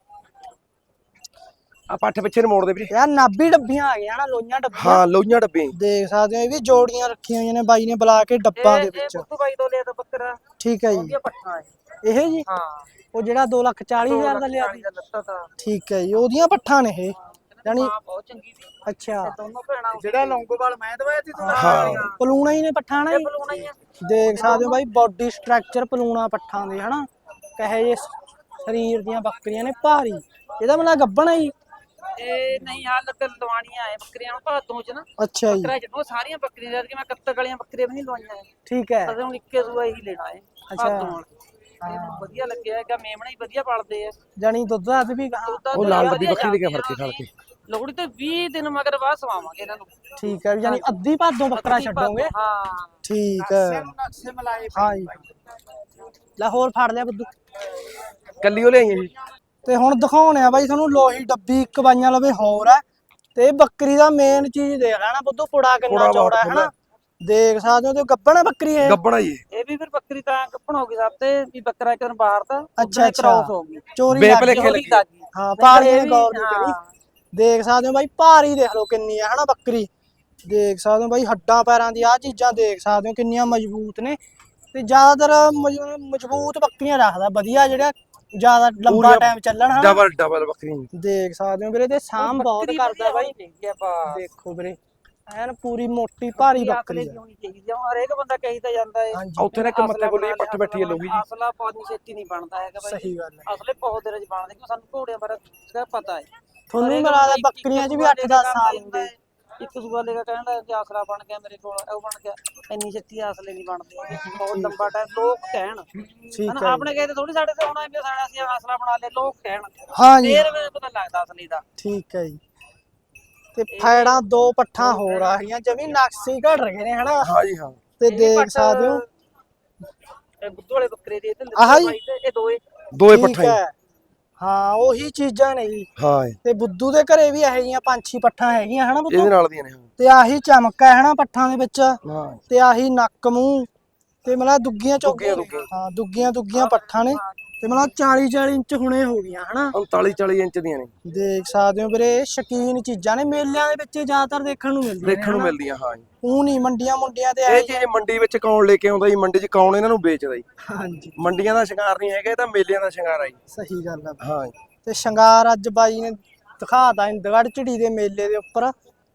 Speaker 2: ਆ ਪੱਠ ਪਿੱਛੇ ਨੂੰ ਮੋੜ ਦੇ ਵੀਰੇ।
Speaker 1: ਯਾਰ ਨਾਭੀ ਡੱਬੀਆਂ ਆ ਗਈਆਂ ਨਾ ਲੋਈਆਂ ਡੱਬੀਆਂ।
Speaker 2: ਹਾਂ ਲੋਈਆਂ ਡੱਬੇ
Speaker 1: ਦੇਖ ਸਕਦੇ ਹੋ ਇਹ ਵੀ ਜੋੜੀਆਂ ਰੱਖੀਆਂ ਹੋਈਆਂ ਨੇ ਬਾਈ ਨੇ ਬੁਲਾ ਕੇ ਡੱਬਾਂ ਦੇ
Speaker 3: ਇਹ
Speaker 1: ਵਿੱਚ।
Speaker 3: ਬੁੱਧੂ ਬਾਈ ਤੋਂ ਲਿਆ ਤਾਂ ਬੱਕਰਾ
Speaker 1: ਠੀਕ ਹੈ ਜੀ।
Speaker 3: ਉਹਦੀਆਂ ਪੱਠਾਂ ਹੈ।
Speaker 1: ਇਹ ਜੀ
Speaker 3: ਹਾਂ
Speaker 1: ਉਹ ਜਿਹੜਾ 2,40,000 ਦਾ ਲਿਆ
Speaker 3: 2 ਲੱਖ ਦਾ ਲੱਤਾ ਤਾਂ
Speaker 1: ਠੀਕ ਹੈ ਜੀ ਉਹਦੀਆਂ ਪੱਠਾਂ ਨੇ ਇਹ ਯਾਨੀ
Speaker 3: ਮਾਂ ਬਹੁਤ ਚੰਗੀ ਸੀ।
Speaker 1: ਅੱਛਾ
Speaker 3: ਦੋਨੋਂ ਭੈਣਾਂ
Speaker 1: ਜਿਹੜਾ ਲੌਂਗੋਵਾਲ ਮੈਂ ਦਵਾਇਆ ਸੀ
Speaker 2: ਹਾਂ
Speaker 1: ਪਲੂਣਾ ਹੀ ਨੇ ਪੱਠਾਂ ਨਾ ਜੀ।
Speaker 3: ਬਲੂਣਾ ਹੀ ਆ।
Speaker 1: ਦੇਖ ਸਕਦੇ ਹੋ ਬਾਈ ਬਾਡੀ ਸਟਰਕਚਰ ਪਲੂਣਾ ਪੱਠਾਂ ਦੇ ਹਨਾ ਕਹੇ ਜੇ ਸਰੀਰ ਦੀਆਂ ਬੱਕਰੀਆਂ ਨੇ ਭਾਰੀ। ਇਹਦਾ ਮਤਲਬ ਗੱਭਣ ਹੈ ਜੀ।
Speaker 3: ਇਹ ਨਹੀਂ ਹਾਲ ਤੱਕ ਲਵਾਣੀਆਂ ਆਏ ਬੱਕਰੀਆਂ ਭਾਦੋਂ ਚ ਨਾ।
Speaker 1: ਅੱਛਾ ਜੀ
Speaker 3: ਬੱਕਰਾ ਜਦੋਂ ਸਾਰੀਆਂ ਬੱਕਰੀਆਂ ਜਦ ਕਿ ਮੈਂ ਕੱਤਕ ਵਾਲੀਆਂ ਬੱਕਰੀਆਂ ਵੀ ਨਹੀਂ ਲਵਾਈਆਂ।
Speaker 1: ਠੀਕ ਹੈ।
Speaker 3: ਅਸੀਂ ਹੁਣ ਇੱਕੇ ਦੂਆ ਹੀ ਲੈਣਾ ਹੈ
Speaker 1: ਅੱਛਾ।
Speaker 3: ਭਾਦੋਂ ਵਾਲਾ। ਇਹ ਵਧੀਆ ਲੱਗਿਆ ਹੈਗਾ ਮੇਮਣਾ ਹੀ ਵਧੀਆ ਪਾਲਦੇ ਆ।
Speaker 1: ਜਾਨੀ ਦੁੱਧ ਦੱਧ ਵੀ
Speaker 2: ਉਹ ਲਾਲ ਡੱਬੀ ਬੱਕਰੀ ਲੈ ਕੇ ਫੜ ਕੇ ਖੜ ਕੇ।
Speaker 3: ਲੋਹੜੀ ਤੇ 20 ਦਿਨ ਮਗਰ ਬਾਅਦ ਸਵਾਵਾਂਗੇ ਇਹਨਾਂ ਨੂੰ।
Speaker 1: ਠੀਕ ਹੈ ਜਾਨੀ ਅੱਧੀ ਭਾਦੋਂ ਬੱਕਰਾ ਛੱਡੋਗੇ।
Speaker 3: ਹਾਂ
Speaker 1: ਠੀਕ ਹੈ।
Speaker 3: ਨਕਸ਼ੇ ਮਲਾਏ
Speaker 1: ਹਾਂ ਜੀ ਲਾਹੌਰ ਫੜ ਲਿਆ ਬੁੱਧੂ।
Speaker 2: ਕੱਲੀ ਉਹ ਲਿਆਈਆਂ ਜੀ।
Speaker 1: ਤੇ ਹੁਣ ਦਿਖਾਉਣੇ ਆ ਬਾਈ ਤੁਹਾਨੂੰ ਲੋਹੀ ਡੱਬੀ ਇੱਕ ਬਾਈਆਂ ਲਵੇ ਹੋਰ ਹੈ। ਤੇ ਬੱਕਰੀ ਦਾ ਮੇਨ ਚੀਜ਼ ਦੇਖ ਲੈਣਾ ਬੁੱਧੂ ਪੁੜਾ ਕਿੰਨਾ ਚੌੜਾ ਹੈ ਹਨਾ। ਦੇਖ ਸਕਦੇ ਹੋ ਤੇ ਗੱਭਣ ਹੈ ਬੱਕਰੀ ਇਹ।
Speaker 2: ਗੱਬਣਾ ਜੀ
Speaker 3: ਇਹ ਵੀ ਫਿਰ ਬੱਕਰੀ ਤਾਂ ਗੱਭਣ ਹੋ ਗਈ ਸਭ ਤੇ ਵੀ ਬੱਕਰਾ ਇੱਕ ਦਿਨ ਬਾਹਰ ਤਾਂ
Speaker 1: ਅੱਛਾ
Speaker 3: ਕ੍ਰਾਸ ਹੋ ਗਈ।
Speaker 1: ਚੋਰੀ
Speaker 2: ਬੇਪਲੇਖੇ
Speaker 1: ਲੱਗ
Speaker 2: ਲੱਗੀ।
Speaker 1: ਹਾਂ ਪਾਲੀਆਂ ਨੇ ਗੌਰ ਨਹੀਂ ਕਰੀ। ਦੇਖ ਸਕਦੇ ਹੋ ਬਾਈ ਭਾਰੀ ਦੇਖ ਲਓ ਕਿੰਨੀ ਹੈ ਹਨਾ ਬੱਕਰੀ। ਦੇਖ ਸਕਦੇ ਹੋ ਬਾਈ ਹੱਡਾਂ ਪੈਰਾਂ ਦੀ ਆਹ ਚੀਜ਼ਾਂ ਦੇਖ ਸਕਦੇ ਹੋ ਕਿੰਨੀਆਂ ਮਜ਼ਬੂਤ ਨੇ। ਤੇ ਜ਼ਿਆਦਾਤਰ ਮਜ਼ਬੂਤ ਬੱਕਰੀਆਂ ਰੱਖਦਾ ਵਧੀਆ ਜਿਹੜਾ ਜ਼ਿਆਦਾ ਲੰਬਾ ਟਾਈਮ ਚੱਲਣ ਹਨਾ।
Speaker 2: ਡਬਲ ਬੱਕਰੀ
Speaker 1: ਦੇਖ ਸਕਦੇ ਹੋ ਵੀਰੇ ਤੇ ਸਾਂਭ ਬਹੁਤ ਕਰਦਾ ਬਾਈ। ਦੇਖੋ ਵੀਰੇ ਐਨ ਪੂਰੀ ਮੋਟੀ ਭਾਰੀ ਬੱਕਰੀ ਹੈ।
Speaker 3: ਹੋਣੀ ਚਾਹੀਦੀ ਆ। ਹਰੇਕ ਬੰਦਾ ਕਹੀ ਤਾਂ ਜਾਂਦਾ ਹੈ
Speaker 2: ਉੱਥੇ ਨਾ ਇੱਕ ਮੱਥੇ ਬੋਲੀ ਪੱਠ ਬੈਠੀ ਹੈ ਲੋਹੀ ਜੀ।
Speaker 3: ਅਸਲਾ ਪਾਣੀ ਛੇਤੀ ਨਹੀਂ ਬਣਦਾ ਹੈਗਾ ਬਾਈ।
Speaker 1: ਸਹੀ ਗੱਲ ਹੈ।
Speaker 3: ਅਸਲੇ ਬਹੁਤ ਦੇਰ ਚ ਬਣਦੇ ਕਿਉਂ ਸਾਨੂੰ ਘੋੜਿਆਂ ਬਾਰੇ ਪਤਾ ਹੈ।
Speaker 1: ਤੁਹਾਨੂੰ ਮਿਲਾ ਦਾ ਬੱਕਰੀਆਂ 'ਚ ਵੀ 8-10 ਸਾਲ ਹੁੰਦੇ।
Speaker 3: ਇੱਕ ਦੂਆ ਲੈ ਕੇ ਕਹਿੰਦਾ ਕਿ ਆਸਰਾ ਬਣ ਗਿਆ ਮੇਰੇ ਕੋਲ ਉਹ ਬਣ ਗਿਆ। ਇੰਨੀ ਛੇਤੀ ਆਸਲੇ ਨਹੀਂ ਬਣਦੇ ਹੈਗੇ। ਬਹੁਤ ਲੰਬਾ ਟਾਈਮ ਲੋਕ ਕਹਿਣ ਹਨਾ। ਆਪਣੇ ਕਹੇ ਥੋੜੀ ਸਾਡੇ ਤੇ ਆਉਣਾ ਵੀ ਸਾਡਾ ਅਸੀਂ ਆਸਰਾ ਬਣਾ ਲਿਆ ਲੋਕ ਕਹਿਣ।
Speaker 1: ਹਾਂ ਜੀ
Speaker 3: ਫੇਰ ਮੈਨੂੰ ਪਤਾ ਲੱਗਦਾ ਅਸਲੀ ਦਾ।
Speaker 1: ਠੀਕ ਹੈ ਜੀ। ਤੇ ਫੈੜਾਂ 2 ਪੱਠਾਂ ਹੋਰ ਆ ਗਈਆਂ ਜਮੀ ਨਕਸ਼ੇ ਘੜ ਰਹੇ ਨੇ ਹਨਾ।
Speaker 2: ਹਾਂ ਜੀ ਹਾਂ।
Speaker 1: ਤੇ ਦੇਖ ਸਕਦੇ ਹੋ
Speaker 3: ਇਹ ਬੁੱਧੂ ਵਾਲੇ ਬੱਕਰੇ ਦੇ ਤੇ
Speaker 1: ਆਹ ਜੀ
Speaker 3: ਇਹ ਦੋਏ
Speaker 2: ਪੱਠਾਂ
Speaker 1: ਹੈ। ਹਾਂ ਉਹੀ ਚੀਜ਼ਾਂ ਨੇ ਜੀ।
Speaker 2: ਹਾਂ
Speaker 1: ਤੇ ਬੁੱਧੂ ਦੇ ਘਰੇ ਵੀ ਇਹੋ ਜਿਹੀਆਂ 5-6 ਪੱਠਾਂ ਹੈਗੀਆਂ ਹਨਾ ਬੁੱਧੂ।
Speaker 2: ਇਹਦੇ ਨਾਲ ਦੀਆਂ ਨੇ।
Speaker 1: ਤੇ ਆਹੀ ਚਮਕ ਹੈ ਹਨਾ ਪੱਠਾਂ ਦੇ ਵਿੱਚ।
Speaker 2: ਹਾਂ
Speaker 1: ਤੇ ਆਹੀ ਨੱਕ ਮੂੰਹ ਤੇ ਮਤਲਬ ਦੁੱਗੀਆਂ ਚੌਗੀਆਂ ਹਾਂ ਦੁੱਗੀਆਂ ਪੱਠਾਂ ਨੇ। ਤੇ ਮਤਲਬ 40-40 ਇੰਚ ਹੁਣੇ ਹੋ ਗਈਆਂ ਹਨਾ।
Speaker 2: 39-40 ਇੰਚ ਦੀਆਂ ਨੇ।
Speaker 1: ਦੇਖ ਸਕਦੇ ਹੋ ਵੀਰੇ ਸ਼ਕੀਨ ਚੀਜ਼ਾਂ ਨੇ ਮੇਲਿਆਂ ਦੇ ਵਿੱਚ ਜ਼ਿਆਦਾਤਰ ਦੇਖਣ ਨੂੰ
Speaker 2: ਮਿਲਦੀਆਂ ਹਾਂ ਜੀ।
Speaker 1: ਉਹ ਨਹੀਂ ਮੰਡੀਆਂ ਮੁੰਡੀਆਂ ਤੇ
Speaker 2: ਇਹ ਚੀਜ਼ ਮੰਡੀ ਵਿੱਚ ਕੌਣ ਲੈ ਕੇ ਆਉਂਦਾ ਜੀ। ਮੰਡੀ 'ਚ ਕੌਣ ਇਹਨਾਂ ਨੂੰ ਵੇਚਦਾ ਜੀ।
Speaker 1: ਹਾਂਜੀ
Speaker 2: ਮੰਡੀਆਂ ਦਾ ਸ਼ਿੰਗਾਰ ਨਹੀਂ ਹੈਗਾ ਇਹ ਤਾਂ ਮੇਲਿਆਂ ਦਾ ਸ਼ਿੰਗਾਰ ਆ ਜੀ।
Speaker 1: ਸਹੀ ਗੱਲ ਆ।
Speaker 2: ਹਾਂ
Speaker 1: ਤੇ ਸ਼ਿੰਗਾਰ ਅੱਜ ਬਾਈ ਨੇ ਦਿਖਾਤਾ ਇੰਦਗੜ ਝਿੜੀ ਦੇ ਮੇਲੇ ਦੇ ਉੱਪਰ।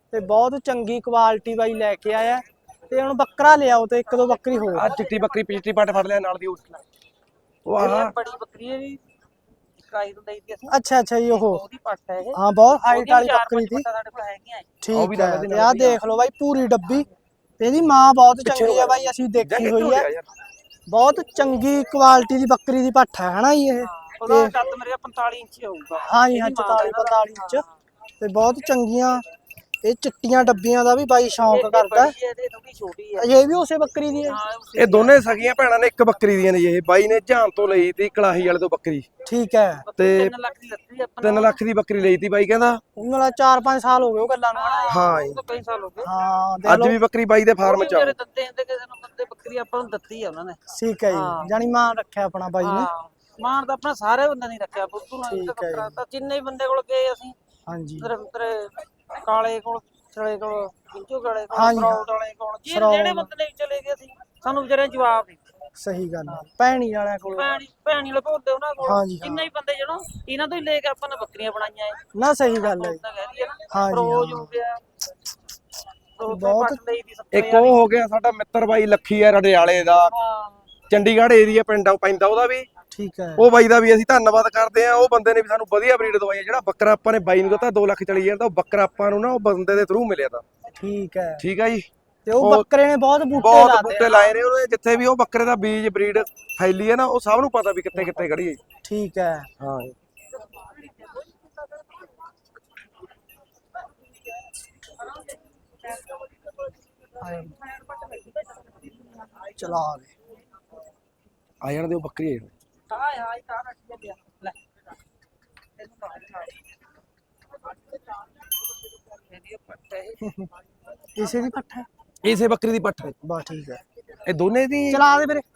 Speaker 1: ਤੇ ਬਹੁਤ ਚੰਗੀ ਕੁਆਲਿਟੀ ਬਾਈ ਲੈ ਕੇ ਆਇਆ। ਤੇ ਹੁਣ ਬੱਕਰਾ ਲਿਆਓ ਤੇ ਇੱਕ ਦੋ ਬੱਕਰੀ ਹੋਰ।
Speaker 2: ਆ ਚਿੱਟੀ ਬੱਕਰੀ ਪਿਛਲੀ ਪੱਟ ਫੜ ਲਿਆ ਨਾਲ ਦੀ ਉਹ ਆਹ
Speaker 3: ਬੜੀ ਬੱਕਰੀ ਹੈ ਵੀ ਕਾਈ ਤੋਂ ਲਈ ਦੀ ਅਸੀਂ
Speaker 1: ਅੱਛਾ ਜੀ ਉਹ
Speaker 3: ਉਹਦੀ ਪੱਟ ਹੈ ਇਹ।
Speaker 1: ਹਾਂ ਬਹੁਤ ਹਾਈਟ ਵਾਲੀ
Speaker 3: ਚਾਰ
Speaker 1: ਬੱਕਰੀ
Speaker 3: ਪੰਜ
Speaker 1: ਸੀ।
Speaker 3: ਪੱਟਾਂ ਸਾਡੇ ਕੋਲ ਹੈਗੀਆਂ
Speaker 1: ਠੀਕ ਹੈ ਤੇ ਆਹ ਦੇਖ ਲਓ ਬਾਈ ਪੂਰੀ ਡੱਬੀ ਤੇ ਇਹਦੀ ਮਾਂ ਬਹੁਤ ਚੰਗੀ ਆ ਬਾਈ, ਅਸੀਂ ਦੇਖੀ ਹੋਈ ਹੈ। ਬਹੁਤ ਚੰਗੀ ਕੁਆਲਿਟੀ ਦੀ ਬੱਕਰੀ ਦੀ ਪੱਠ ਹੈ ਹਨਾ ਜੀ ਇਹ।
Speaker 3: ਉਹਦਾ ਕੱਦ ਮੇਰੇ 45 ਇੰਚ ਹੋਊਗਾ।
Speaker 1: ਹਾਂ ਜੀ ਹਾਂ 44-45 ਇੰਚ ਤੇ ਬਹੁਤ ਚੰਗੀਆਂ। ਇਹ ਚਿੱਟੀਆਂ ਡੱਬੀਆਂ ਦਾ ਵੀ ਬਾਈ ਸ਼ੌਂਕ ਕਰਦਾ।
Speaker 3: ਇਹ ਥੋੜੀ ਛੋਟੀ ਹੈ।
Speaker 1: ਇਹ ਵੀ ਉਸੇ ਬੱਕਰੀ ਦੀ ਹੈ।
Speaker 2: ਇਹ ਦੋਨੇ ਸਗੀਆਂ ਭੈਣਾਂ ਨੇ ਇੱਕ ਬੱਕਰੀ ਦੀਆਂ ਨੇ ਜੀ। ਇਹ ਬਾਈ ਨੇ ਝਾਨ ਤੋਂ ਲਈ ਤੀ ਕਲਾਹੀ ਵਾਲੇ ਤੋਂ ਬੱਕਰੀ।
Speaker 1: ਠੀਕ ਹੈ
Speaker 2: ਤੇ
Speaker 3: 3 ਲੱਖ ਦੀ ਲੱਤੀ ਆਪਾਂ
Speaker 2: 3 ਲੱਖ ਦੀ ਬੱਕਰੀ ਲਈ ਤੀ ਬਾਈ ਕਹਿੰਦਾ।
Speaker 1: ਉਹਨਾਂ 4-5 ਸਾਲ ਹੋ ਗਏ ਉਹ ਗੱਲਾਂ ਨੂੰ ਹਨਾ।
Speaker 2: ਹਾਂ ਜੀ
Speaker 3: ਕਈ ਸਾਲ ਹੋ ਗਏ।
Speaker 1: ਹਾਂ
Speaker 2: ਅੱਜ ਵੀ ਬੱਕਰੀ ਬਾਈ ਦੇ ਫਾਰਮ ਚ ਆ।
Speaker 3: ਮੇਰੇ ਦਿੱਤੇ ਹੁੰਦੇ ਕਿਸੇ ਨੂੰ ਬੰਦੇ ਬੱਕਰੀ ਆਪਾਂ ਨੂੰ ਦਿੱਤੀ ਆ ਉਹਨਾਂ ਨੇ।
Speaker 1: ਠੀਕ ਹੈ ਜੀ ਜਾਨੀ ਮਾਨ ਰੱਖਿਆ ਆਪਣਾ ਬਾਈ ਨੇ।
Speaker 3: ਮਾਨ ਤਾਂ ਆਪਣਾ ਸਾਰੇ ਬੰਦੇ ਨਹੀਂ ਰੱਖਿਆ ਬੁੱਧੂ ਨਾਲ ਬੱਕਰਾ ਤਾਂ ਜਿੰਨੇ ਹੀ ਬੰਦੇ ਕੋਲ ਗਏ ਅਸੀਂ।
Speaker 1: ਹਾਂਜੀ
Speaker 3: ਤੇਰੇ ਕਾਲੇ ਕੋਲ ਛੜੇ ਕੋਲ ਕਿੰਚੂ ਕਾਲੇ ਕੋਲ ਫਰੌਡ ਵਾਲੇ ਕੋਲ ਜਿਹੜੇ ਬੰਦੇ ਨੇ ਚਲੇ ਗਏ ਸੀ ਸਾਨੂੰ ਵਿਚਾਰੇ ਜਵਾਬ ਨਹੀਂ।
Speaker 1: ਸਹੀ ਗੱਲ ਹੈ ਭੈਣੀ ਵਾਲਿਆਂ ਕੋਲ
Speaker 3: ਭੈਣੀ ਵਾਲੇ ਭੋਦੇ ਉਹਨਾਂ ਕੋਲ ਜਿੰਨੇ ਹੀ ਬੰਦੇ ਜਿਹੜੋ ਇਹਨਾਂ ਤੋਂ ਹੀ ਲੈ ਕੇ ਆਪਾਂ ਨੇ ਬੱਕਰੀਆਂ ਬਣਾਈਆਂ ਐ
Speaker 1: ਨਾ। ਸਹੀ ਗੱਲ ਹੈ
Speaker 3: ਹਾਂ ਰੋਜ਼ ਹੋ ਗਿਆ
Speaker 1: ਬਹੁਤ।
Speaker 2: ਇੱਕ ਉਹ ਹੋ ਗਿਆ ਸਾਡਾ ਮਿੱਤਰ ਬਾਈ ਲੱਖੀ ਆ ਰੜਿਆਲੇ ਦਾ, ਚੰਡੀਗੜ੍ਹ ਏਰੀਆ ਪਿੰਡ ਪੈਂਦਾ ਉਹਦਾ ਵੀ।
Speaker 1: ਠੀਕ ਹੈ
Speaker 2: ਉਹ ਬਾਈ ਦਾ ਵੀ ਅਸੀਂ ਧੰਨਵਾਦ ਕਰਦੇ ਆ। ਉਹ ਬੰਦੇ ਨੇ ਵੀ ਸਾਨੂੰ ਵਧੀਆ ਬਰੀਡ ਦਵਾਈ। ਜਿਹੜਾ ਬੱਕਰਾ ਆਪਾਂ ਨੇ ਬਾਈ ਨੂੰ ਦਿੱਤਾ 2 ਲੱਖ ਚਲੀ ਜਾਂਦਾ, ਉਹ ਬੱਕਰਾ ਆਪਾਂ ਨੂੰ ਨਾ ਉਹ ਬੰਦੇ ਦੇ ਥਰੂ ਮਿਲਿਆ ਤਾਂ।
Speaker 1: ਠੀਕ ਹੈ
Speaker 2: ਜੀ
Speaker 1: ਤੇ ਉਹ ਬੱਕਰੇ ਨੇ ਬਹੁਤ ਬੂਟੇ
Speaker 2: ਲਾਏ ਨੇ ਉਹਦੇ। ਜਿੱਥੇ ਵੀ ਉਹ ਬੱਕਰੇ ਦਾ ਬੀਜ ਬਰੀਡ ਫੈਲੀ ਹੈ ਨਾ, ਉਹ ਸਭ ਨੂੰ ਪਤਾ ਵੀ ਕਿੱਥੇ ਕਿੱਥੇ ਖੜੀ ਹੈ।
Speaker 1: ਠੀਕ ਹੈ
Speaker 2: ਹਾਂ
Speaker 1: ਚਲਾ ਦੇ
Speaker 2: ਆ ਜਾਣ ਦੇ ਉਹ ਬੱਕਰੀ ਆ
Speaker 1: ਇਸੇ ਦੀ ਪੱਠ ਹੈ।
Speaker 2: ਇਸੇ ਬੱਕਰੀ ਦੀ ਪੱਠ ਹੈ।
Speaker 1: ਬਸ ਠੀਕ ਹੈ
Speaker 2: ਇਹ ਦੋਨੇ ਦੀ
Speaker 1: ਚਲਾ ਦੇ ਵੀਰੇ।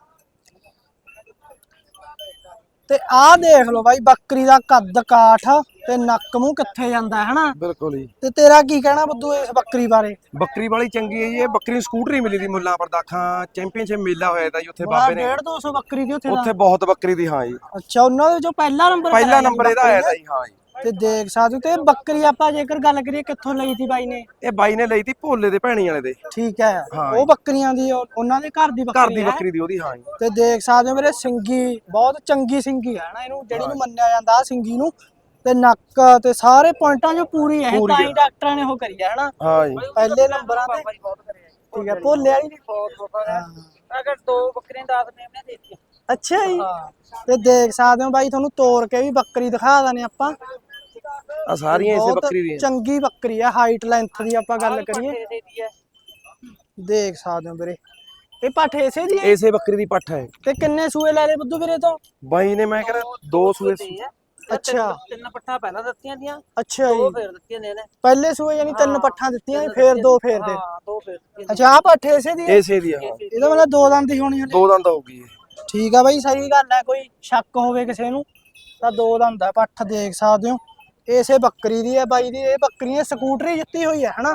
Speaker 1: ਤੇ ਆਹ ਦੇਖ ਲਓ ਬਾਈ ਬੱਕਰੀ ਦਾ ਕੱਦ ਕਾਠ ਤੇ ਨੱਕ ਮੂੰਹ ਕਿੱਥੇ ਜਾਂਦਾ ਹੈ ਹਨਾ।
Speaker 2: ਬਿਲਕੁਲ ਜੀ।
Speaker 1: ਤੇ ਤੇਰਾ ਕੀ ਕਹਿਣਾ ਬੁੱਧੂ ਇਸ ਬੱਕਰੀ ਬਾਰੇ?
Speaker 2: ਬੱਕਰੀ ਵਾਲੀ ਚੰਗੀ ਹੈ ਜੀ। ਇਹ ਬੱਕਰੀ ਨੂੰ ਸਕੂਟਰੀ ਮਿਲੀ ਦੀ ਮੁੱਲਾਂ ਪਰਦਾਖਾਂ ਚੈਂਪੀਅਨਸ਼ਿਪ ਮੇਲਾ ਹੋਇਆ ਤਾਂ ਜੀ ਉੱਥੇ ਬਾਬੇ ਨੇ।
Speaker 1: 150-200 ਬੱਕਰੀ ਦੀ
Speaker 2: ਉੱਥੇ ਬਹੁਤ ਬੱਕਰੀ ਦੀ। ਹਾਂ ਜੀ
Speaker 1: ਅੱਛਾ ਉਹਨਾਂ ਦੇ ਵਿੱਚੋਂ ਪਹਿਲਾ ਨੰਬਰ
Speaker 2: ਇਹਦਾ ਆਇਆ ਤਾਂ ਜੀ। ਹਾਂ ਜੀ
Speaker 1: ਤੇ ਦੇਖ ਸਕਦੇ ਤੇ ਬੱਕਰੀ ਆਪਾਂ ਜੇਕਰ ਗੱਲ ਕਰੀਏ ਕਿੱਥੋਂ ਲਈ ਸੀ ਬਾਈ ਨੇ?
Speaker 2: ਇਹ ਬਾਈ ਨੇ ਲਈ ਤੀ ਭੋਲੇ ਦੇ ਭੈਣੀ ਵਾਲੇ ਦੇ।
Speaker 1: ਠੀਕ ਹੈ ਉਹ ਬੱਕਰੀਆਂ ਦੀ ਉਹਨਾਂ ਦੇ ਘਰ ਦੀ
Speaker 2: ਬੱਕਰੀ ਦੀ ਉਹਦੀ। ਹਾਂ ਜੀ
Speaker 1: ਤੇ ਦੇਖ ਸਕਦੇ ਹੋ ਮੇਰੇ ਸਿੰਗੀ ਬਹੁਤ ਚੰਗੀ ਸਿੰਗੀ ਹੈ ਨਾ ਇਹਨੂੰ ਜਿਹੜੀ ਨੂੰ ਮੰਨਿਆ ਜਾਂਦਾ ਆ ਸਿੰਗੀ ਨੂੰ। ਤੇ ਨੱਕ ਤੇ ਸਾਰੇ ਪੁਆਇੰਟਾਂ 'ਚ ਪੂਰੀ ਹੈ ਤਾਂ ਹੀ ਡਾਕਟਰਾਂ ਨੇ ਉਹ ਕਰੀ ਹੈ ਹਨਾ।
Speaker 2: ਹਾਂ ਜੀ
Speaker 1: ਪਹਿਲੇ ਨੰਬਰਾਂ ਤੇ। ਠੀਕ ਹੈ ਭੋਲੇ ਵਾਲੀ ਨੇ
Speaker 3: ਅਗਰ 2 ਬੱਕਰੀਆਂ 10 ਮੇਮਣੇ ਦੇ ਦਿੱਤੀਆਂ।
Speaker 1: ਅੱਛਾ ਜੀ ਤੇ ਦੇਖ ਸਕਦੇ ਹੋ ਬਾਈ ਤੁਹਾਨੂੰ ਤੋੜ ਕੇ ਵੀ ਬੱਕਰੀ ਦਿਖਾ ਦਨੇ ਆਪਾਂ।
Speaker 2: ਆ ਸਾਰੀਆਂ ਇਸੇ ਬੱਕਰੀ ਦੀਆਂ।
Speaker 1: ਚੰਗੀ ਬੱਕਰੀ ਆ ਹਾਈਟ ਲੈਂਥ ਦੀ ਆਪਾਂ ਗੱਲ ਕਰੀਏ। ਦੇਖ ਸਕਦੇ ਹੋ ਵੀਰੇ ਇਹ ਪੱਠ ਇਸੇ ਦੀ ਹੈ।
Speaker 2: ਇਸੇ ਬੱਕਰੀ ਦੀ ਪੱਠ ਹੈ।
Speaker 1: ਤੇ ਕਿੰਨੇ ਸੂਏ ਲੈ ਲਏ ਬੁੱਧੂ ਵੀਰੇ ਤੋਂ?
Speaker 2: ਬਾਈ ਨੇ ਮੈਂ ਕਹਿੰਦਾ 2 ਸੂਏ।
Speaker 1: ਅੱਛਾ
Speaker 3: 3 ਪੱਠਾਂ ਪਹਿਲਾਂ ਦਿੱਤੀਆਂ ਦੀਆਂ।
Speaker 1: ਅੱਛਾ ਜੀ
Speaker 3: 2 ਫੇਰ ਦਿੱਤੀਆਂ ਨੇ ਇਹਨੇ।
Speaker 1: ਪਹਿਲੇ ਸੂਏ ਯਾਨੀ 3 ਪੱਠਾਂ ਦਿੱਤੀਆਂ ਫੇਰ 2 ਫੇਰ ਦੇ।
Speaker 3: ਹਾਂ 2 ਫੇਰ।
Speaker 1: ਅੱਛਾ ਆ ਪੱਠ ਇਸੇ ਦੀ ਹੈ?
Speaker 2: ਇਸੇ ਦੀ। ਹਾਂ
Speaker 1: ਇਹਦਾ ਮਤਲਬ 2 ਦੰਦ ਹੀ ਹੋਣੀ ਹੈ।
Speaker 2: 2 ਦੰਦ ਹੋਊਗੀ।
Speaker 1: ਠੀਕ ਆ ਬਾਈ ਸਹੀ ਗੱਲ ਹੈ। ਕੋਈ ਸ਼ੱਕ ਹੋਵੇ ਕਿਸੇ ਨੂੰ ਤਾਂ 2 ਦੰਦ ਹੈ ਪੱਠ। ਦੇਖ ਸਕਦੇ ਹੋ ਇਸੇ ਬੱਕਰੀ ਦੀ ਹੈ ਬਾਈ ਦੀ। ਇਹ ਬੱਕਰੀ ਨੇ ਸਕੂਟਰੀ ਜਿੱਤੀ ਹੋਈ ਹੈ ਹਨਾ।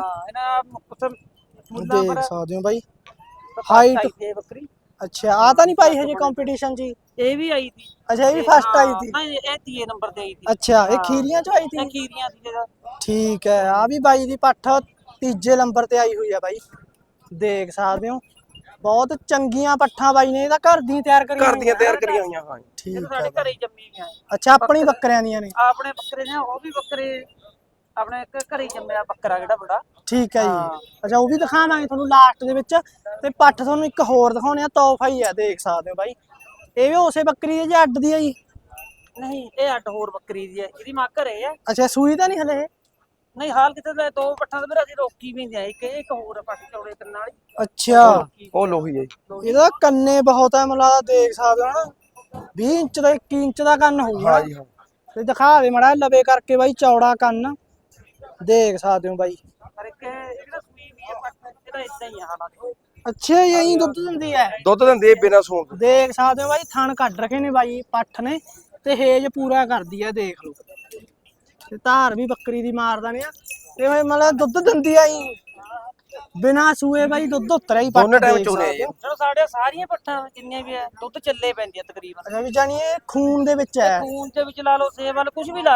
Speaker 1: ਦੇਖ ਸਕਦੇ ਹੋ ਬਾਈ ਹਾਈਟ
Speaker 3: ਬੱਕਰੀ।
Speaker 1: ਅੱਛਾ ਆ ਤਾਂ ਨਹੀਂ ਪਾਈ ਹਜੇ ਕੰਪੀਟੀਸ਼ਨ ਜੀ?
Speaker 3: ਇਹ ਵੀ ਆਈ ਸੀ।
Speaker 1: ਅੱਛਾ ਇਹ ਵੀ ਫਸਟ ਆਈ ਸੀ?
Speaker 3: ਨਹੀਂ ਇਹ 3 ਨੰਬਰ ਤੇ ਆਈ ਸੀ।
Speaker 1: ਅੱਛਾ ਇਹ ਖੀਰੀਆਂ ਚ ਆਈ ਸੀ?
Speaker 3: ਇਹ ਖੀਰੀਆਂ ਸੀ ਜਿਹੜਾ।
Speaker 1: ਠੀਕ ਹੈ ਆ ਵੀ ਬਾਈ ਦੀ ਪੱਠ 3ਜੇ ਨੰਬਰ ਤੇ ਆਈ ਹੋਈ ਹੈ ਬਾਈ। ਦੇਖ ਸਕਦੇ ਹੋ ਬਹੁਤ ਚੰਗੀਆਂ ਪੱਠਾਂ ਬਾਈ ਨੇ ਇਹਦਾ ਘਰ ਦੀਆਂ ਤਿਆਰ ਕਰੀਆਂ
Speaker 2: ਹੋਈਆਂ। ਹਾਂ
Speaker 1: ਠੀਕ ਹੈ
Speaker 3: ਸਾਡੇ ਘਰੇ ਜੰਮੀ ਗਈਆਂ।
Speaker 1: ਅੱਛਾ ਆਪਣੀ ਬੱਕਰਿਆਂ ਦੀਆਂ ਨੇ?
Speaker 3: ਆਪਣੇ ਬੱਕਰੇ ਨੇ ਉਹ ਵੀ ਬੱਕਰੇ ਆਪਣੇ ਘਰੇ ਜੰਮਿਆ ਬੱਕਰਾ ਜਿਹੜਾ ਬੜਾ।
Speaker 1: ਠੀਕ ਹੈ ਜੀ ਅੱਛਾ ਉਹ ਵੀ ਦਿਖਾਵਾਂਗੇ ਤੁਹਾਨੂੰ ਲਾਸਟ ਦੇ ਵਿੱਚ। ਤੇ ਪੱਠ ਤੁਹਾਨੂੰ ਇੱਕ ਹੋਰ ਦਿਖਾਉਣੇ ਆ ਤੋਹਫਾ ਹੀ ਆ। ਦੇਖ ਸਕਦੇ ਹੋ ਬਾਈ ਇਹ ਵੀ ਉਸੇ ਬੱਕਰੀ ਦੀ ਜਾਂ ਅੱਡ ਦੀ ਆ ਜੀ?
Speaker 3: ਨਹੀਂ ਇਹ ਅੱਡ ਹੋਰ ਬੱਕਰੀ ਦੀ ਹੈ। ਇਹਦੀ ਮਾਂ ਘਰੇ ਆ।
Speaker 1: ਅੱਛਾ ਸੂਈ ਤਾਂ ਨਹੀਂ ਹਲੇ?
Speaker 3: ਨਹੀਂ ਹਾਲ ਕਿਤੇ 2 ਪੱਠਾਂ ਤੇ ਮੇਰਾ ਅਸੀਂ ਰੋਕੀ ਵੀ ਨਹੀਂ ਇੱਕ ਹੋਰ ਪੱਠ ਚੌੜੇ ਕੰਨਾਂ ਵਾਲੀ।
Speaker 1: ਅੱਛਾ
Speaker 2: ਉਹ ਲੋਹੀ ਹੈ।
Speaker 1: ਇਹਦਾ ਕੰਨੇ ਬਹੁਤ ਹੈ ਮਤਲਬ ਦੇਖ ਸਕਦੇ ਹੋ ਨਾ 20 ਇੰਚ ਦਾ 21 ਇੰਚ ਦਾ ਕੰਨ ਹੋਊਗਾ।
Speaker 2: ਹਾਂ ਜੀ ਹਾਂ
Speaker 1: ਤੇ ਦਿਖਾ ਦੇ ਮੜਾ ਲਵੇ ਕਰਕੇ ਬਾਈ ਚੌੜਾ ਕੰਨ ਦੇਖ ਸਕਦੇ ਹੋ ਬਾਈ।
Speaker 3: ਪਰ ਇੱਕ ਇਹਦਾ ਸੂਈ ਵੀ ਹੈ ਪੱਠ ਇਹਦਾ ਇਦਾਂ ਹੀ ਆ ਹਾਲਾਤ।
Speaker 1: ਅੱਛਾ ਯਹੀਂ ਦੁੱਧ ਦਿੰਦੀ ਹੈ?
Speaker 2: ਦੁੱਧ ਦਿੰਦੀ ਬਿਨਾਂ ਸੂਣ ਤੋਂ।
Speaker 1: ਦੇਖ ਸਕਦੇ ਹੋ ਬਾਈ ਥਣ ਕੱਢ ਰੱਖੇ ਨੇ ਬਾਈ ਪੱਠ ਨੇ ਤੇ ਹੇਜ ਪੂਰਾ ਕਰਦੀ ਆ ਦੇਖ ਲਓ। ਤੇ ਧਾਰ ਵੀ ਬੱਕਰੀ ਦੀ ਮਾਰਦਾ ਨੇ ਆ ਤੇ ਮਤਲਬ ਦੁੱਧ ਦਿੰਦੀ ਆ ਜੀ ਬਿਨਾਂ ਸੂਏ ਬਾਈ ਦੁੱਧ ਉਤਰਿਆ ਹੀ ਪੱਠ।
Speaker 2: ਦੋਨੇ ਟਾਈਮ ਚੋਣੇ ਆ।
Speaker 3: ਚਲੋ ਸਾਡੇ ਸਾਰੀਆਂ ਪੱਠਾਂ ਜਿੰਨੀਆਂ ਵੀ ਹੈ ਦੁੱਧ ਚੱਲੇ ਪੈਂਦੀਆਂ ਤਕਰੀਬਨ।
Speaker 1: ਅੱਛਾ ਵੀ ਜਾਨੀ ਇਹ ਖੂਨ ਦੇ ਵਿੱਚ ਹੈ?
Speaker 3: ਖੂਨ ਦੇ ਵਿੱਚ ਲਾ ਲਓ ਸੇਬ ਵਾਲ ਕੁਝ ਵੀ ਲਾ ਲਓ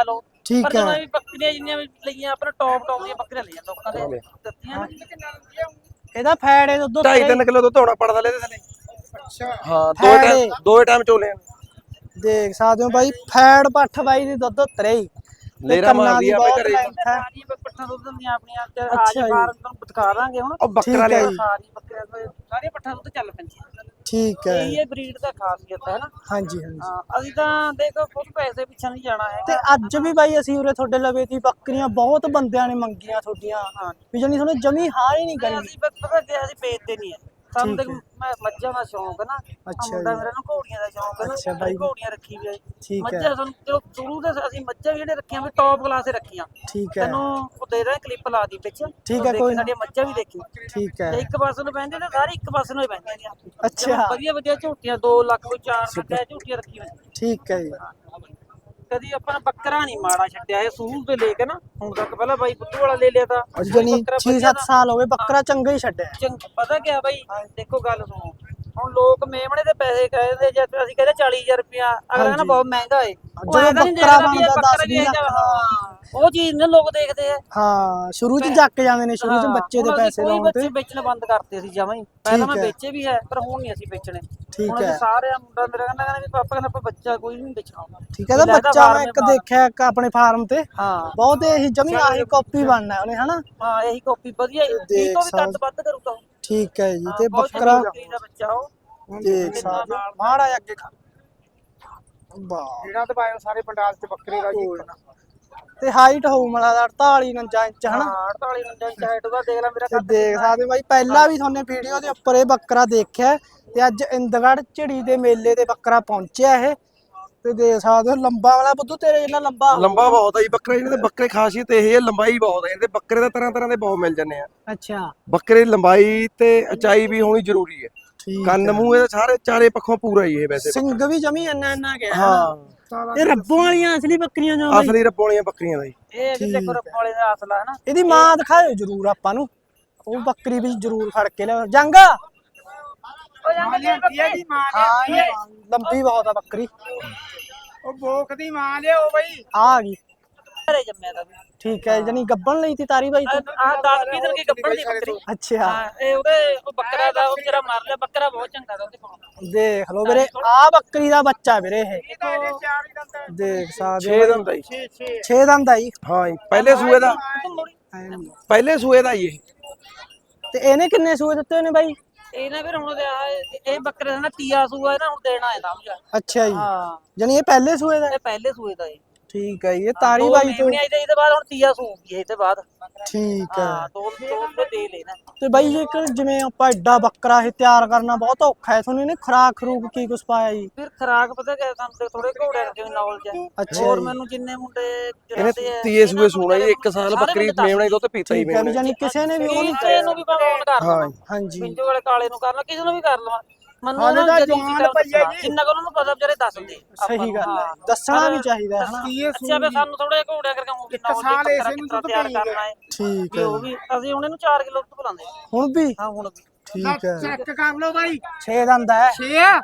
Speaker 1: ਠੀਕ
Speaker 3: ਪਰ ਜਦੋਂ
Speaker 1: ਹੈ
Speaker 3: ਵੀ ਬੱਕਰੀਆਂ ਜਿੰਨੀਆਂ ਵੀ ਲਈਆਂ ਆਪਣਾ ਟੌਪ ਦੀਆਂ ਬੱਕਰੀਆਂ ਲਈਆਂ ਲੋਕਾਂ ਦੇ ਦਿੱਤੀਆਂ ਨਾ।
Speaker 1: ਇਹਦਾ ਫੈਟ ਇਹ ਦੁੱਧ
Speaker 2: 2.5-3 ਕਿਲੋ ਦੁੱਧ ਹੋਣਾ ਪੜਦਾ ਲੈ ਇਹਦੇ ਥੱਲੇ।
Speaker 1: ਅੱਛਾ
Speaker 2: ਹਾਂ
Speaker 1: ਫੈਟ
Speaker 2: ਦੋ ਟਾਈਮ ਚੋਲੇ ਆ।
Speaker 1: ਦੇਖ ਸਕਦੇ ਹੋ ਬਾਈ ਫੈਟ ਪੱਠ ਬਾਈ ਦੀ ਦੁੱਧ ਉਤਰੇ ਹੀ ਤੇ
Speaker 2: ਲੇਰਾ
Speaker 1: ਕੰਨਾਂ
Speaker 2: ਮਾਰਦੀ
Speaker 1: ਦੀ
Speaker 2: ਆ
Speaker 1: ਬਹੁਤ
Speaker 2: ਬਈ ਘਰੇ।
Speaker 1: ਲੈਂਥ ਹੈ।
Speaker 3: ਸਾਰੀ ਪੱਠਾਂ ਦੁੱਧ ਦਿੰਦੀਆਂ ਆਪਣੀਆਂ ਤੇ
Speaker 1: ਅੱਛਾ
Speaker 3: ਆਜ
Speaker 1: ਜੀ।
Speaker 3: ਫਾਰਮ ਤੁਹਾਨੂੰ ਦਿਖਾ ਦਾਂਗੇ ਹੁਣ।
Speaker 2: ਉਹ ਬੱਕਰਾ
Speaker 1: ਠੀਕ ਹੈ
Speaker 2: ਲਿਆ
Speaker 1: ਜੀ।
Speaker 3: ਸਾਰੀ ਬੱਕਰੀਆਂ ਕੋਲ ਸਾਰੀਆਂ ਪੱਠਾਂ ਦੁੱਧ ਚੱਲ ਪੈਂਦੀਆਂ।
Speaker 1: ਠੀਕ ਹੈ
Speaker 3: ਇਹੀ ਇਹ ਬਰੀਡ ਦਾ ਖਾਸੀਅਤ ਹੈ ਨਾ।
Speaker 1: ਹਾਂਜੀ ਹਾਂਜੀ
Speaker 3: ਹਾਂ ਅਸੀਂ ਤਾਂ ਦੇਖੋ ਕੁਝ ਪੈਸੇ ਪਿੱਛੇ ਨਹੀਂ ਜਾਣਾ
Speaker 1: ਤੇ
Speaker 3: ਹੈਗਾ।
Speaker 1: ਅੱਜ ਵੀ ਬਾਈ ਅਸੀਂ ਉਰੇ ਤੁਹਾਡੇ ਲਵੇ ਦੀ ਬੱਕਰੀਆਂ ਬਹੁਤ ਬੰਦਿਆਂ ਨੇ ਮੰਗੀਆਂ ਤੁਹਾਡੀਆਂ
Speaker 3: ਹਾਂ
Speaker 1: ਵੀ ਜਾਨੀ ਤੁਹਾਨੂੰ ਜਮੀ ਹਾਂ ਹੀ ਨਹੀਂ
Speaker 3: ਨਹੀਂ
Speaker 1: ਕਰੀ
Speaker 3: ਅਸੀਂ ਪਤਾ ਕਿ ਅਸੀਂ ਵੇਚਦੇ ਨਹੀਂ ਹੈ। ਸਾਨੂੰ
Speaker 1: ਠੀਕ
Speaker 3: ਤੇ
Speaker 1: ਹੈ।
Speaker 3: ਮੱਝਾਂ ਦਾ ਸ਼ੌਂਕ ਹੈ ਨਾ।
Speaker 1: ਅੱਛਾ
Speaker 3: ਮੁੰਡਾ
Speaker 1: ਜੀ।
Speaker 3: ਮੇਰਾ ਨੂੰ ਘੋੜੀਆਂ ਦਾ ਸ਼ੌਂਕ ਹੈ ਨਾ।
Speaker 1: ਅੱਛਾ
Speaker 3: ਅਸੀਂ
Speaker 1: ਬਾਈ।
Speaker 3: ਘੋੜੀਆਂ ਰੱਖੀ ਵੀ ਹੈ।
Speaker 1: ਠੀਕ ਹੈ
Speaker 3: ਮੱਝਾਂ ਸਾਨੂੰ ਜੋ ਸ਼ੁਰੂ ਤੋਂ ਅਸੀਂ ਮੱਝਾਂ ਵੀ ਜਿਹੜੇ ਰੱਖੀਆਂ ਵੀ ਟੌਪ ਕਲਾਸ ਦੇ ਰੱਖੀਆਂ।
Speaker 1: ਠੀਕ ਹੈ
Speaker 3: ਤੈਨੂੰ ਉਹ ਦੇ ਰਿਹਾ ਕਲਿੱਪ ਲਾ ਦੀ ਵਿੱਚ
Speaker 1: ਠੀਕ ਹੈ
Speaker 3: ਦੇਖੀ
Speaker 1: ਕੋਈ ਨਾ
Speaker 3: ਸਾਡੀਆਂ ਮੱਝਾਂ ਵੀ ਦੇਖੀ।
Speaker 1: ਠੀਕ ਹੈ
Speaker 3: ਤੇ ਇੱਕ ਪਾਸੇ ਨੂੰ ਬਹਿੰਦੇ ਨੇ ਸਾਰੇ ਇੱਕ ਪਾਸੇ ਨੂੰ ਹੀ ਬਹਿੰਦੇ ਨੇ।
Speaker 1: ਅੱਛਾ
Speaker 3: ਵਧੀਆ ਵਧੀਆ ਝੂਟੀਆਂ 2 ਲੱਖ ਕੋਈ 4 ਲੱਖ ਦੀਆਂ ਝੂਟੀਆਂ ਰੱਖੀਆਂ ਹੋਈਆਂ।
Speaker 1: ਠੀਕ ਹੈ ਜੀ
Speaker 3: ਕਦੀ ਆਪਾਂ ਨੇ ਬੱਕਰਾ ਨਹੀਂ ਮਾੜਾ ਛੱਡਿਆ ਇਹ ਸੂਰ ਤੋਂ ਲੈ ਕੇ ਨਾ ਹੁਣ ਤੱਕ। ਪਹਿਲਾਂ ਬਾਈ ਬੁੱਧੂ ਵਾਲਾ ਲੈ ਲਿਆ ਤਾਂ
Speaker 1: ਜਾਨੀ
Speaker 3: ਬੱਕਰਾ
Speaker 1: 6-7 ਸਾਲ ਹੋ ਗਏ ਬੱਕਰਾ ਚੰਗਾ ਹੀ ਛੱਡਿਆ
Speaker 3: ਪਤਾ ਕਿਆ ਬਾਈ ਦੇਖੋ ਗੱਲ ਸੁਣੋ। ਹੁਣ ਲੋਕ ਮੇਮਣੇ ਦੇ ਪੈਸੇ ਕਹਿੰਦੇ ਜੇ ਅਸੀਂ ਕਹਿੰਦੇ 40,000 ਰੁਪਇਆ ਅਗਲਾ ਕਹਿੰਦਾ ਬਹੁਤ ਮਹਿੰਗਾ ਏ। ਉਹ
Speaker 1: ਜਦੋਂ
Speaker 3: ਐਂ ਤਾਂ ਨਹੀਂ
Speaker 1: ਬੱਕਰਾ
Speaker 3: ਦੇਖਦਾ ਵੀ ਇਹ
Speaker 1: ਬਣਦਾ
Speaker 3: ਬੱਕਰਾ
Speaker 1: 10-20 ਲੱਖ ਦਾ।
Speaker 3: ਹਾਂ ਉਹ ਚੀਜ਼ ਨੇ ਲੋਕ ਦੇਖਦੇ ਆ।
Speaker 1: ਹਾਂ ਸ਼ੁਰੂ ਚ ਜੱਕ ਜਾਂਦੇ ਨੇ ਸ਼ੁਰੂ ਚ ਬੱਚੇ ਦੇ ਪੈਸੇ
Speaker 3: ਕੋਈ
Speaker 1: ਲਾਉਣ
Speaker 3: ਬੱਚੇ
Speaker 1: ਤੇ
Speaker 3: ਵੇਚਣੇ ਬੰਦ ਕਰਤੇ ਸੀ ਜਮਾਂ ਹੀ। ਪਹਿਲਾਂ ਮੈਂ
Speaker 1: ਠੀਕ ਹੈ।
Speaker 3: ਵੇਚੇ ਵੀ ਹੈ ਪਰ ਹੁਣ ਨਹੀਂ ਅਸੀਂ ਵੇਚਣੇ।
Speaker 1: ਠੀਕ
Speaker 3: ਹੁਣ ਅਸੀਂ
Speaker 1: ਹੈ
Speaker 3: ਸਾਰੇ ਮੁੰਡਾ ਮੇਰਾ ਕਹਿੰਦਾ ਵੀ ਪਾਪਾ ਕਹਿੰਦਾ ਆਪਾਂ ਬੱਚਾ ਕੋਈ ਨਹੀਂ ਵੇਚਣਾ।
Speaker 1: ਠੀਕ ਹੈ। ਤਾਂ ਬੱਚਾ ਮੈਂ ਇੱਕ ਦੇਖਿਆ ਇੱਕ ਆਪਣੇ ਫਾਰਮ ਤੇ
Speaker 3: ਹਾਂ
Speaker 1: ਬਹੁਤ ਇਹੀ ਜਮੀ ਆਹੀ ਕਾਪੀ ਬਣਨਾ ਉਹਨੇ ਹਨਾ।
Speaker 3: ਹਾਂ ਇਹੀ ਕਾਪੀ ਵਧੀਆ
Speaker 1: ਤੇ
Speaker 3: ਇਹ
Speaker 1: ਦੇਖ
Speaker 3: ਤੋਂ ਵੀ ਕੱਦ
Speaker 1: ਸਾਲ
Speaker 3: ਵੱਧ ਕਰੂਗਾ।
Speaker 1: ਠੀਕ ਹੈ ਜੀ ਤੇ
Speaker 3: ਬਹੁਤ
Speaker 1: ਬੱਕਰਾ
Speaker 3: ਬੱਕਰੀ ਦਾ ਬੱਚਾ ਉਹ
Speaker 1: ਦੇਖ ਸਕਦੇ ਹੋ ਮਾੜਾ ਜਿਹਾ ਅੱਗੇ ਵਾਹ
Speaker 4: ਜਿਹੜਾ ਤੇ ਪਾਏ ਸਾਰੇ ਪੰਡਾਲ ਤੇ ਬੱਕਰੇ ਦਾ ਜੀ
Speaker 1: ਤੇ ਹਾਈਟ ਹੋਊ ਮਲਾ 48 49 ਇੰਚ ਹਨਾ।
Speaker 3: 48 ਇੰਚ ਹਾਈਟ ਉਹਦਾ ਦੇਖ ਲੈ ਮੇਰਾ
Speaker 1: ਤੇ
Speaker 3: ਕੱਦ
Speaker 1: ਦੇਖ ਸਕਦੇ ਹੋ ਬਾਈ ਪਹਿਲਾਂ ਵੀ ਤੁਹਾਨੂੰ ਵੀਡੀਓ ਦੇ ਉੱਪਰ ਇਹ ਬੱਕਰਾ ਦੇਖਿਆ ਤੇ ਅੱਜ ਇੰਦਗੜ੍ਹ ਝਿੜੀ ਦੇ ਮੇਲੇ ਤੇ ਬੱਕਰਾ ਪਹੁੰਚਿਆ ਇਹ ਤੇ ਦੇਖ ਸਕਦੇ ਹੋ ਲੰਬਾ ਵਾਲਾ ਬੁੱਧੂ ਤੇਰੇ ਜਿੰਨਾ ਲੰਬਾ
Speaker 2: ਲੰਬਾ ਬਹੁਤ ਆ ਜੀ ਬੱਕਰਾ। ਇਹਨਾਂ ਦੇ ਬੱਕਰੇ ਖਾਸੀਅਤ ਇਹ ਹੈ ਲੰਬਾਈ ਬਹੁਤ ਹੈ। ਇਹਦੇ ਬੱਕਰੇ ਦਾ ਤਰ੍ਹਾਂ ਦੇ ਬਹੁਤ ਮਿਲ ਜਾਂਦੇ ਆ।
Speaker 1: ਅੱਛਾ
Speaker 2: ਬੱਕਰੇ ਦੀ ਲੰਬਾਈ ਤੇ ਉਚਾਈ ਵੀ ਹੋਣੀ ਜ਼ਰੂਰੀ ਹੈ।
Speaker 1: ਠੀਕ
Speaker 2: ਕੰਨ
Speaker 1: ਹੈ।
Speaker 2: ਮੂੰਹ ਇਹਦੇ ਸਾਰੇ ਚਾਰੇ ਪੱਖੋਂ ਪੂਰਾ ਹੀ ਇਹ ਵੈਸੇ
Speaker 1: ਸਿੰਘ ਵੀ ਜਮੀ ਇੰਨਾ ਗਿਆ
Speaker 2: ਹਾਂ
Speaker 1: ਇਹ ਰੱਬੋਂ ਵਾਲੀਆਂ ਅਸਲੀ ਬੱਕਰੀਆਂ ਜੋ ਬਾਈ
Speaker 2: ਅਸਲੀ ਰੱਬੋਲੀਆਂ ਬੱਕਰੀਆਂ ਦਾ ਜੀ।
Speaker 3: ਇਹ ਵੀ ਦੇਖੋ ਰੱਬ ਵਾਲੇ ਦਾ ਅਸਲਾ ਹੈ ਨਾ।
Speaker 1: ਇਹਦੀ ਮਾਂ ਦਿਖਾਇਓ ਜਰੂਰ ਆਪਾਂ ਨੂੰ ਉਹ ਬੱਕਰੀ ਵੀ ਜਰੂਰ ਫੜ ਕੇ ਲਿਆ ਜੰਗਾ
Speaker 3: ਉਹ ਜਾਂਦੇ
Speaker 4: ਦੀ ਮਾਂ
Speaker 1: ਹਾਂ ਇਹ ਲੰਬੀ ਬਹੁਤ ਆ ਬੱਕਰੀ
Speaker 4: ਉਹ ਬੋਕ ਦੀ ਮਾਂ ਲਿਆਓ ਬਈ।
Speaker 1: ਆ ਗਈ
Speaker 3: ਘਰੇ ਜੰਮਿਆ ਦਾ ਵੀ
Speaker 1: ਠੀਕ ਹੈ ਜਾਨੀ ਗੱਬਣ ਲਈ ਤੀ ਤਾਰੀ ਬਾਈ ਤੂੰ
Speaker 3: ਆਹ 10-20 ਦਿਨ ਕੀ ਗੱਭਣ ਦੀ ਬੱਕਰੀ।
Speaker 1: ਅੱਛਾ
Speaker 3: ਹਾਂ ਇਹ ਉਹਦੇ ਉਹ ਬੱਕਰਾ ਦਾ ਉਹ ਜਿਹੜਾ ਮਰ ਲਿਆ ਬੱਕਰਾ ਬਹੁਤ ਚੰਗਾ ਦਾ ਉਹਦੇ ਕੋਲ।
Speaker 1: ਦੇਖ ਲਓ ਵੀਰੇ ਆ ਬੱਕਰੀ ਦਾ ਬੱਚਾ ਵੀਰੇ ਇਹ
Speaker 4: ਚਾਰ ਹੀ ਦੰਦ
Speaker 1: ਦੇਖ ਸਕਦੇ
Speaker 2: 6 ਦਿਨ ਦਾ ਜੀ।
Speaker 1: 6 ਦੰਦ ਆ ਜੀ
Speaker 2: ਹਾਂ ਜੀ ਪਹਿਲੇ ਸੂਏ ਦਾ ਪਹਿਲੇ ਸੂਏ ਦਾ ਹੀ ਇਹ।
Speaker 1: ਤੇ ਇਹਨੇ ਕਿੰਨੇ ਸੂਏ ਦਿੱਤੇ ਨੇ ਬਾਈ
Speaker 3: ਇਹ ਨਾ ਫਿਰ ਹੁਣ ਇਹ ਬੱਕਰੇ ਦਾ ਨਾ ਤੀਆ ਸੂਆ ਨਾ ਹੁਣ ਦੇਣਾ ਹੈ ਸਮਝ।
Speaker 1: ਅੱਛਾ ਜੀ
Speaker 3: ਹਾਂ
Speaker 1: ਜਾਨੀ ਇਹ ਪਹਿਲੇ ਸੂਏ ਦਾ
Speaker 3: ਇਹ ਪਹਿਲੇ ਸੂਏ ਦਾ ਹੈ।
Speaker 1: ਠੀਕ ਹੈ ਜੀ ਇਹ ਤਾਰੀ ਬਾਈ ਤੋਂ
Speaker 3: ਆਈ ਤੇ ਇਹਦੇ ਬਾਅਦ ਹੁਣ ਤੀਆ ਸੂਗੀ ਇਹਦੇ ਬਾਅਦ।
Speaker 1: ਠੀਕ ਹੈ
Speaker 3: ਹਾਂ ਦੋ ਦੇ ਲੈਣਾ।
Speaker 1: ਤੇ ਬਾਈ ਜੇਕਰ ਜਿਵੇਂ ਆਪਾਂ ਐਡਾ ਬੱਕਰਾ ਇਹ ਤਿਆਰ ਕਰਨਾ ਬਹੁਤ ਔਖਾ ਹੈ ਤੁਹਾਨੂੰ ਇਹਨੇ ਖਰਾਕ ਖਰੂਕ ਕੀ ਕੁਛ ਪਾਇਆ ਜੀ
Speaker 3: ਫਿਰ ਖਰਾਕ ਪਤਾ ਕਿ ਸਾਨੂੰ ਤੇ ਥੋੜੇ ਘੋੜਿਆਂ ਕਰਕੇ ਨੌਲੇਜ ਹੈ।
Speaker 1: ਅੱਛਾ
Speaker 3: ਹੋਰ
Speaker 1: ਜੀ।
Speaker 3: ਮੈਨੂੰ ਜਿੰਨੇ ਮੁੰਡੇ
Speaker 2: ਇਹਨੇ ਤੀਏ ਸੂਏ ਸੂਣਾ ਜੀ 1 ਸਾਲ ਬੱਕਰੀ ਮੇਵਣਾ ਦੁੱਧ ਪੀਤਾ ਹੀ
Speaker 1: ਠੀਕ ਹੈ ਵੀ
Speaker 2: ਮੇਵਣਾ।
Speaker 1: ਜਾਨੀ ਕਿਸੇ ਨੇ ਵੀ ਉਹ ਨਹੀਂ
Speaker 3: ਕਿਸੇ ਨੂੰ ਵੀ ਭਾਵੇਂ on ਕਰ ਲਵਾਂ
Speaker 1: ਹਾਂਜੀ
Speaker 3: ਪਿੰਜੋ ਵਾਲੇ ਕਾਲੇ ਨੂੰ ਕਰ ਲਾਂ ਕਿਸੇ ਨੂੰ ਵੀ ਕਰ ਲਵਾਂ ਮੈਨੂੰ
Speaker 4: ਹਾਲੇ
Speaker 3: ਉਹਨਾਂ
Speaker 4: ਤਾਂ
Speaker 3: ਜਦੀ
Speaker 4: ਜਵਾਨ ਪਈਆ ਜੀ।
Speaker 3: ਜਿੰਨਾ ਕੁ ਉਹਨਾਂ ਨੂੰ ਪਤਾ ਵਿਚਾਰੇ ਦੱਸ ਦਿੰਦੇ
Speaker 1: ਸਹੀ ਗੱਲ ਹੈ ਦੱਸਣਾ ਵੀ ਚਾਹੀਦਾ ਹੈ ਹਨਾ
Speaker 3: ਅੱਛਾ ਵੀ ਸਾਨੂੰ ਥੋੜਾ ਜਿਹਾ ਘੋੜਿਆ ਕਰਕੇ ਉਹ ਵੀ
Speaker 4: ਇੱਕ ਸਾਲ ਇਸੇ ਨੂੰ ਦੁੱਧ
Speaker 3: ਤਿਆਰ
Speaker 4: ਪਈ
Speaker 3: ਕਰਨਾ ਹੈ
Speaker 1: ਠੀਕ
Speaker 3: ਵੀ
Speaker 1: ਹੈ
Speaker 3: ਉਹ ਵੀ ਅਸੀਂ ਹੁਣ ਇਹਨੂੰ 4 ਕਿਲੋ ਦੁੱਧ ਪਿਲਾਉਂਦੇ ਹਾਂ।
Speaker 1: ਹੁਣ ਵੀ
Speaker 3: ਹਾਂ ਹੁਣ ਵੀ
Speaker 1: ਠੀਕ ਹੈ
Speaker 4: ਚੈੱਕ ਕਰ ਲਓ ਬਾਈ।
Speaker 1: 6 ਦੰਦ ਹੈ
Speaker 4: 6 ਆ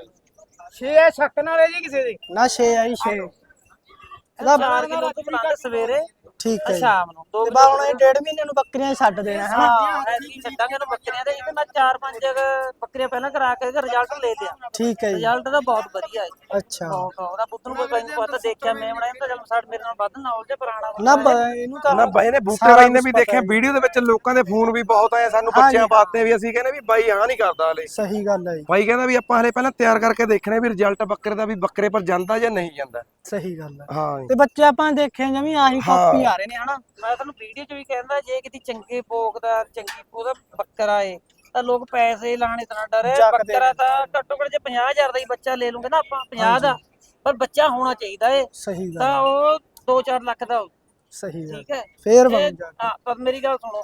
Speaker 4: 6 ਆ ਛੱਕ ਨਾਲ ਜੀ ਕਿਸੇ ਦੇ।
Speaker 1: ਨਾ 6 ਆ ਜੀ 6
Speaker 3: ਇਹਦਾ 4 ਕਿਲੋ ਦੁੱਧ ਪਿਲਾਉਂਦੇ ਸਵੇਰੇ
Speaker 1: ਠੀਕ ਹੈ ਜੀ।
Speaker 3: ਸ਼ਾਮ ਨੂੰ 2
Speaker 1: ਤੇ ਬਾ ਹੁਣ ਇਹ 1.5 ਮਹੀਨੇ ਨੂੰ ਬੱਕਰੀਆਂ ਛੱਡ ਦੇਣਾ ਹੈ
Speaker 3: ਹਾਂ ਐਸੀ ਛੱਡਾਂਗੇ ਨਾ ਬੱਕਰੀਆਂ ਦੇ ਇੱਕ ਮੈਂ 4-5 ਬੱਕਰੀਆਂ ਪਹਿਲਾਂ ਕਰਾ ਕੇ ਇਹਦਾ ਰਿਜ਼ਲਟ ਲੈ ਲਿਆ।
Speaker 1: ਠੀਕ ਹੈ ਜੀ
Speaker 3: ਰਿਜ਼ਲਟ ਤਾਂ ਬਹੁਤ ਵਧੀਆ ਹੈ।
Speaker 1: ਅੱਛਾ
Speaker 3: ਬਹੁਤ ਉਹਦਾ ਪੁੱਤ ਨੂੰ ਕੋਈ ਮੈਨੂੰ ਪਤਾ ਦੇਖਿਆ ਮੈਂ ਬਣਾਇਆ ਤਾਂ ਜਦ ਸਾਡੇ ਮੇਰੇ ਨਾਲ ਵੱਧ ਨੌਲੇਜ ਪੁਰਾਣਾ
Speaker 1: ਨਾ ਇਹਨੂੰ ਤਾਂ
Speaker 2: ਨਾ ਬਾਈ ਨੇ ਬੂਟੇ ਬਾਈ ਨੇ ਵੀ ਦੇਖਿਆ ਵੀਡੀਓ ਦੇ ਵਿੱਚ ਲੋਕਾਂ ਦੇ ਫੋਨ ਵੀ ਬਹੁਤ ਆਏ ਸਾਨੂੰ ਬੱਚਿਆਂ ਬਾਤੇ ਵੀ ਅਸੀਂ ਕਹਿੰਦੇ ਵੀ ਬਾਈ ਹਾਂ ਨਹੀਂ ਕਰਦਾ ਹਲੇ।
Speaker 1: ਸਹੀ ਗੱਲ ਹੈ ਜੀ
Speaker 2: ਬਾਈ ਕਹਿੰਦਾ ਵੀ ਆਪਾਂ ਹਲੇ ਪਹਿਲਾਂ ਤਿਆਰ ਕਰਕੇ ਦੇਖਣੇ ਵੀ ਰਿਜ਼ਲਟ ਬੱਕਰੇ ਦਾ ਵੀ ਬੱਕਰੇ ਪਰ ਜਾਂਦਾ ਜਾਂ ਨਹੀਂ ਜਾਂਦਾ।
Speaker 1: ਸਹੀ ਗੱਲ ਹੈ
Speaker 2: ਹਾਂ ਜੀ।
Speaker 1: ਤੇ ਬੱਚੇ ਆਪਾਂ ਦੇਖੇ ਜਮੀ ਆਹੀ ਕਾਪੀ ਆ ਰਹੇ ਨੇ ਹਨਾ
Speaker 3: ਮੈਂ ਤੁਹਾਨੂੰ ਵੀਡੀਓ 'ਚ ਵੀ ਕਹਿੰਦਾ ਜੇ ਕਿਤੇ ਚੰਗੇ ਭੋਗ ਦਾ ਚੰਗੀ ਉਹਦਾ ਬੱਕਰਾ ਏ ਤਾਂ ਲੋਕ ਪੈਸੇ ਲਾਣੇ ਤਾਂ ਨਾ ਡਰੇ। ਬੱਕਰਾ ਤਾਂ ਘੱਟੋ ਘੱਟ ਜੇ 50,000 ਦਾ ਹੀ ਬੱਚਾ ਲੈ ਲੂਗੇ ਨਾ ਆਪਾਂ 50 ਦਾ ਪਰ ਬੱਚਾ ਹੋਣਾ ਚਾਹੀਦਾ ਏ
Speaker 1: ਸਹੀ ਗੱਲ
Speaker 3: ਤਾਂ ਉਹ 2-4 ਲੱਖ ਦਾ
Speaker 1: ਸਹੀ ਗੱਲ
Speaker 3: ਠੀਕ ਹੈ
Speaker 1: ਫੇਰ
Speaker 3: ਇਹ-
Speaker 1: ਬਣ ਜਾ
Speaker 3: ਹਾਂ ਪਰ ਮੇਰੀ ਗੱਲ ਸੁਣੋ ਹੁਣ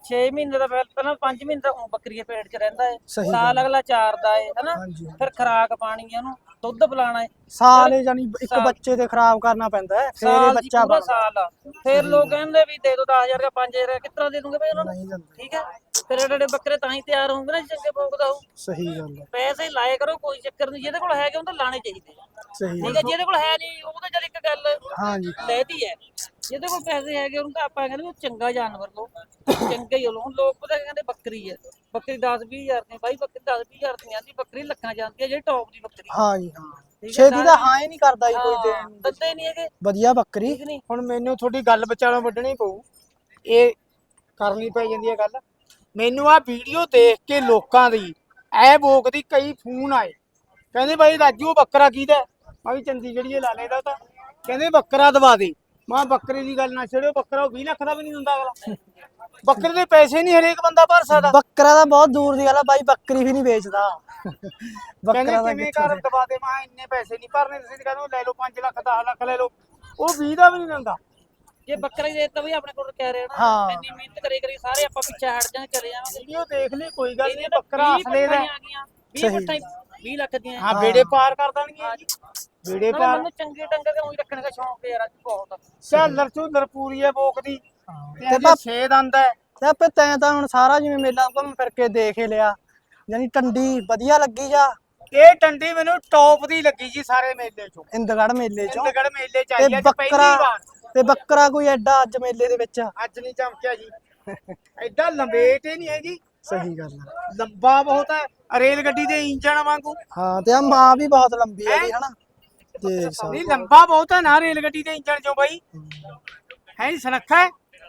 Speaker 3: 6 ਮਹੀਨੇ ਦਾ ਪਹਿਲਾਂ 5 ਮਹੀਨੇ ਦਾ ਊਂ ਬੱਕਰੀ ਦੇ ਪੇਟ 'ਚ ਰਹਿੰਦਾ ਹੈ,
Speaker 1: ਸਹੀ
Speaker 3: ਸਾਲ ਅਗਲਾ ਚਾਰਦਾ ਹੈ ਹਨਾ,
Speaker 1: ਹਾਂਜੀ
Speaker 3: ਫਿਰ ਖੁਰਾਕ ਪਾਣੀ ਹੈ ਉਹਨੂੰ, ਦੁੱਧ ਪਿਲਾਣਾ ਹੈ,
Speaker 1: ਸਾਲ ਹੀ ਜਾਨੀ ਇੱਕ
Speaker 3: ਸਾਲ।
Speaker 1: ਬੱਚੇ ਤੇ ਖਰਾਬ ਕਰਨਾ ਪੈਂਦਾ ਹੈ, ਫਿਰ ਇਹ
Speaker 3: ਸਾਲ ਜੀ
Speaker 1: ਬੱਚਾ
Speaker 3: ਪੂਰਾ
Speaker 1: ਬਣਦਾ।
Speaker 3: ਸਾਲ ਆ। ਫਿਰ ਲੋਕ ਕਹਿੰਦੇ ਵੀ ਦੇ ਦੋ 10,000 ਦਾ 5,000 ਕਿਤਨਾ ਦੇ ਦੂੰਗੇ ਬਈ ਉਹਨਾਂ ਨੂੰ,
Speaker 1: ਨਹੀਂ ਦਿੰਦੇ।
Speaker 3: ਠੀਕ ਹੈ। ਫਿਰ ਜਿਹੜੇ ਬੱਕਰੇ ਤਾਂ ਹੀ ਤਿਆਰ ਹੋਣਗੇ ਨਾ ਜੇ ਚੰਗੇ ਭੋਗ ਦਾ ਹੋਊ।
Speaker 1: ਸਹੀ ਗੱਲ ਹੈ,
Speaker 3: ਪੈਸੇ ਲਾਏ ਕਰੋ, ਕੋਈ ਚੱਕਰ ਨਹੀਂ, ਜਿਹਦੇ ਕੋਲ ਹੈਗੇ ਉਹ ਤਾਂ ਲਾਣੇ ਚਾਹੀਦੇ ਆ।
Speaker 1: ਸਹੀ
Speaker 3: ਠੀਕ
Speaker 1: ਗੱਲ
Speaker 3: ਹੈ, ਜਿਹਦੇ ਕੋਲ ਹੈ ਨਹੀਂ ਉਹ ਤਾਂ ਚੱਲ ਇੱਕ ਗੱਲ
Speaker 1: ਹਾਂਜੀ
Speaker 3: ਲੈਦੀ ਹੈ। ਜਿਹਦੇ ਕੋਲ ਪੈਸੇ ਹੈਗੇ ਉਹਨੂੰ ਤਾਂ ਆਪਾਂ ਕਹਿੰਦੇ ਵੀ ਚੰਗਾ ਜਾਨਵਰ ਲਓ, ਚੰਗਾ ਹੀ ਲਓ। ਹੁਣ ਲੋਕ ਪਤਾ ਕੀ ਕਹਿੰਦੇ ਬੱਕਰੀ ਹੈ, ਬੱਕਰੀ 10-20 ਹਜ਼ਾਰ ਦੀ, ਬਾਈ ਬੱਕਰੀ 10-20 ਹਜ਼ਾਰ ਦੀ ਆਂਦੀ, ਬੱਕਰੀ ਲੱਖਾਂ ਜਾਂਦੀ ਹੈ ਜਿਹੜੀ ਟੌਪ ਦੀ ਬੱਕਰੀ।
Speaker 1: ਹਾਂਜੀ ਹਾਂ,
Speaker 3: ਠੀਕ ਹੈ,
Speaker 1: ਛੇਤੀ ਦਾ ਹਾਂ ਹੀ ਨਹੀਂ ਕਰਦਾ ਜੀ ਕੋਈ ਦੇਣ ਨੂੰ।
Speaker 3: ਦਿੰਦੇ ਨਹੀਂ ਹੈਗੇ,
Speaker 1: ਵਧੀਆ ਬੱਕਰੀ।
Speaker 3: ਠੀਕ ਨਹੀਂ।
Speaker 4: ਹੁਣ ਮੈਨੂੰ ਤੁਹਾਡੀ ਗੱਲ ਵਿਚਾਲੋਂ ਵੱਢਣੀ ਪਊ, ਇਹ ਕਰਨੀ ਪੈ ਜਾਂਦੀ ਹੈ ਗੱਲ। ਮੈਨੂੰ ਆ ਵੀਡੀਓ ਦੇਖ ਕੇ ਲੋਕਾਂ ਦੀ ਐ ਬੋਕ ਦੀ ਕਈ ਫੋਨ ਆਏ, ਕਹਿੰਦੇ ਬਾਈ ਰਾਜੂ ਉਹ ਬੱਕਰਾ ਕਿਹਦਾ ਹੈ? ਮੈਂ ਵੀ ਚੰਡੀਗੜ੍ਹੀਏ ਲਾ ਲੈਦਾ ਤਾਂ ਕਹਿੰਦੇ ਬੱਕਰਾ ਦਵਾ ਦੇ। ਮੈਂ ਬੱਕਰੇ ਦੀ ਗੱਲ ਨਾ ਛੇੜੋ, ਬੱਕਰਾ ਉਹ 20 ਲੱਖ ਦਾ ਵੀ ਨਹੀਂ ਦਿੰਦਾ ਅਗਲਾ। ਬੱਕਰੇ ਦੇ ਪੈਸੇ ਨਹੀਂ ਹਰੇਕ ਬੰਦਾ ਭਰ ਸਕਦਾ।
Speaker 1: ਬੱਕਰਾ ਦਾ ਬਹੁਤ ਦੂਰ ਦੀ ਗੱਲ ਆ ਬਾਈ, ਬੱਕਰੀ ਵੀ ਨਹੀਂ ਵੇਚਦਾ।
Speaker 4: ਕਹਿੰਦੇ
Speaker 1: ਬੱਕਰਾ ਦਾ
Speaker 4: ਕਿਵੇਂ
Speaker 1: ਕਿੱਥੋਂ
Speaker 4: ਕਰ ਦਵਾ ਦੇ, ਮੈਂ ਇੰਨੇ ਪੈਸੇ ਨਹੀਂ ਭਰਨੇ, ਤੁਸੀਂ ਤਾਂ ਕਹਿੰਦੇ ਲੈ ਲਓ 5 ਲੱਖ 10 ਲੱਖ ਲੈ ਲਓ, ਉਹ 20 ਦਾ ਵੀ ਨਹੀਂ ਦਿੰਦਾ।
Speaker 3: ਜੇ ਬੱਕਰਾ ਹੀ ਦੇਤਾ ਵੀ ਆਪਣੇ ਕੋਲ ਕਹਿ ਰਹੇ ਨਾ,
Speaker 1: ਹਾਂ।
Speaker 3: ਇੰਨੀ ਮਿਹਨਤ ਕਰੀ ਸਾਰੇ ਆਪਾਂ ਪਿੱਛੇ ਹਟ ਜਾਣ, ਚਲੇ ਜਾਵਾਂਗੇ।
Speaker 4: ਵੀਡੀਓ ਦੇਖ ਲਈ, ਕੋਈ ਗੱਲ ਨਹੀਂ,
Speaker 3: ਇਹਦੀਆਂ ਤਾਂ
Speaker 4: ਬੱਕਰਾ
Speaker 3: 20
Speaker 4: ਅਸਲੇ ਦਾ
Speaker 3: ਪੱਠਾਂ ਹੀ ਆ ਗਈਆਂ, 20 ਪੱਠਾਂ 20 ਲੱਖ ਦੀਆਂ।
Speaker 4: ਹਾਂ, ਬੇੜੇ ਪਾਰ ਕਰ ਦੇਣਗੇ ਜੀ, ਬੇੜੇ
Speaker 3: ਨਾਲੇ
Speaker 4: ਪਾਰ।
Speaker 3: ਮੈਨੂੰ ਚੰਗੇ ਡੰਗਰ ਤੇ ਉਹੀ ਰੱਖਣ ਦਾ ਸ਼ੌਂਕ ਯਾਰ ਅੱਜ ਬਹੁਤ।
Speaker 4: ਝਾਲਰ ਝੂਲਰ ਪੂਰੀ ਹੈ ਬੋਕ ਦੀ,
Speaker 1: ਤੇ
Speaker 4: ਤੇ 6 ਦੰਦ ਹੈ।
Speaker 1: ਤੇ ਆਪੇ ਤੈਂ ਤਾਂ ਹੁਣ ਸਾਰਾ ਜਿਵੇਂ ਮੇਲਾ ਘੁੰਮ ਫਿਰ ਕੇ ਦੇਖ ਹੀ ਲਿਆ, ਯਾਨੀ ਟੰਡੀ ਵਧੀਆ ਲੱਗੀ ਜਾਂ
Speaker 4: ਇਹ ਟੰਡੀ ਮੈਨੂੰ ਟੌਪ ਦੀ ਲੱਗੀ ਜੀ ਸਾਰੇ ਮੇਲੇ ਚੋਂ,
Speaker 1: ਇੰਦਗੜ੍ਹ ਮੇਲੇ ਚੋਂ।
Speaker 4: ਇੰਦਗੜ੍ਹ ਮੇਲੇ ਚ
Speaker 1: ਤੇ
Speaker 4: ਆਈ ਅੱਜ ਪਹਿਲੀ ਵਾਰ।
Speaker 1: ਤੇ ਬੱਕਰਾ ਕੋਈ ਐਡਾ ਅੱਜ ਮੇਲੇ ਦੇ ਵਿੱਚ
Speaker 4: ਅੱਜ ਨਹੀਂ ਚਮਕਿਆ ਜੀ, ਐਡਾ ਲੰਬੇਟ ਹੀ ਨਹੀਂ ਹੈ ਜੀ,
Speaker 1: ਸਹੀ ਗੱਲ ਹੈ।
Speaker 4: ਲੰਬਾ ਬਹੁਤ ਹੈ ਰੇਲ ਗੱਡੀ ਦੇ ਇੰਜਣ ਵਾਂਗੂ।
Speaker 1: ਹਾਂ ਤੇ ਆ ਮਾਂ ਵੀ ਬਹੁਤ ਲੰਬੀ ਹੈ
Speaker 4: ਹੈਂ?
Speaker 1: ਜੀ ਹਨਾ, ਦੇਖ ਸਕਦੇ
Speaker 4: ਨਹੀਂ ਲੰਬਾ ਬਹੁਤ ਹੈ ਨਾ ਰੇਲ ਗੱਡੀ ਦੇ ਇੰਜਣ ਚੋਂ ਬਾਈ, ਹੈ ਜੀ ਸੁਨੱਖਾ ਹੈ।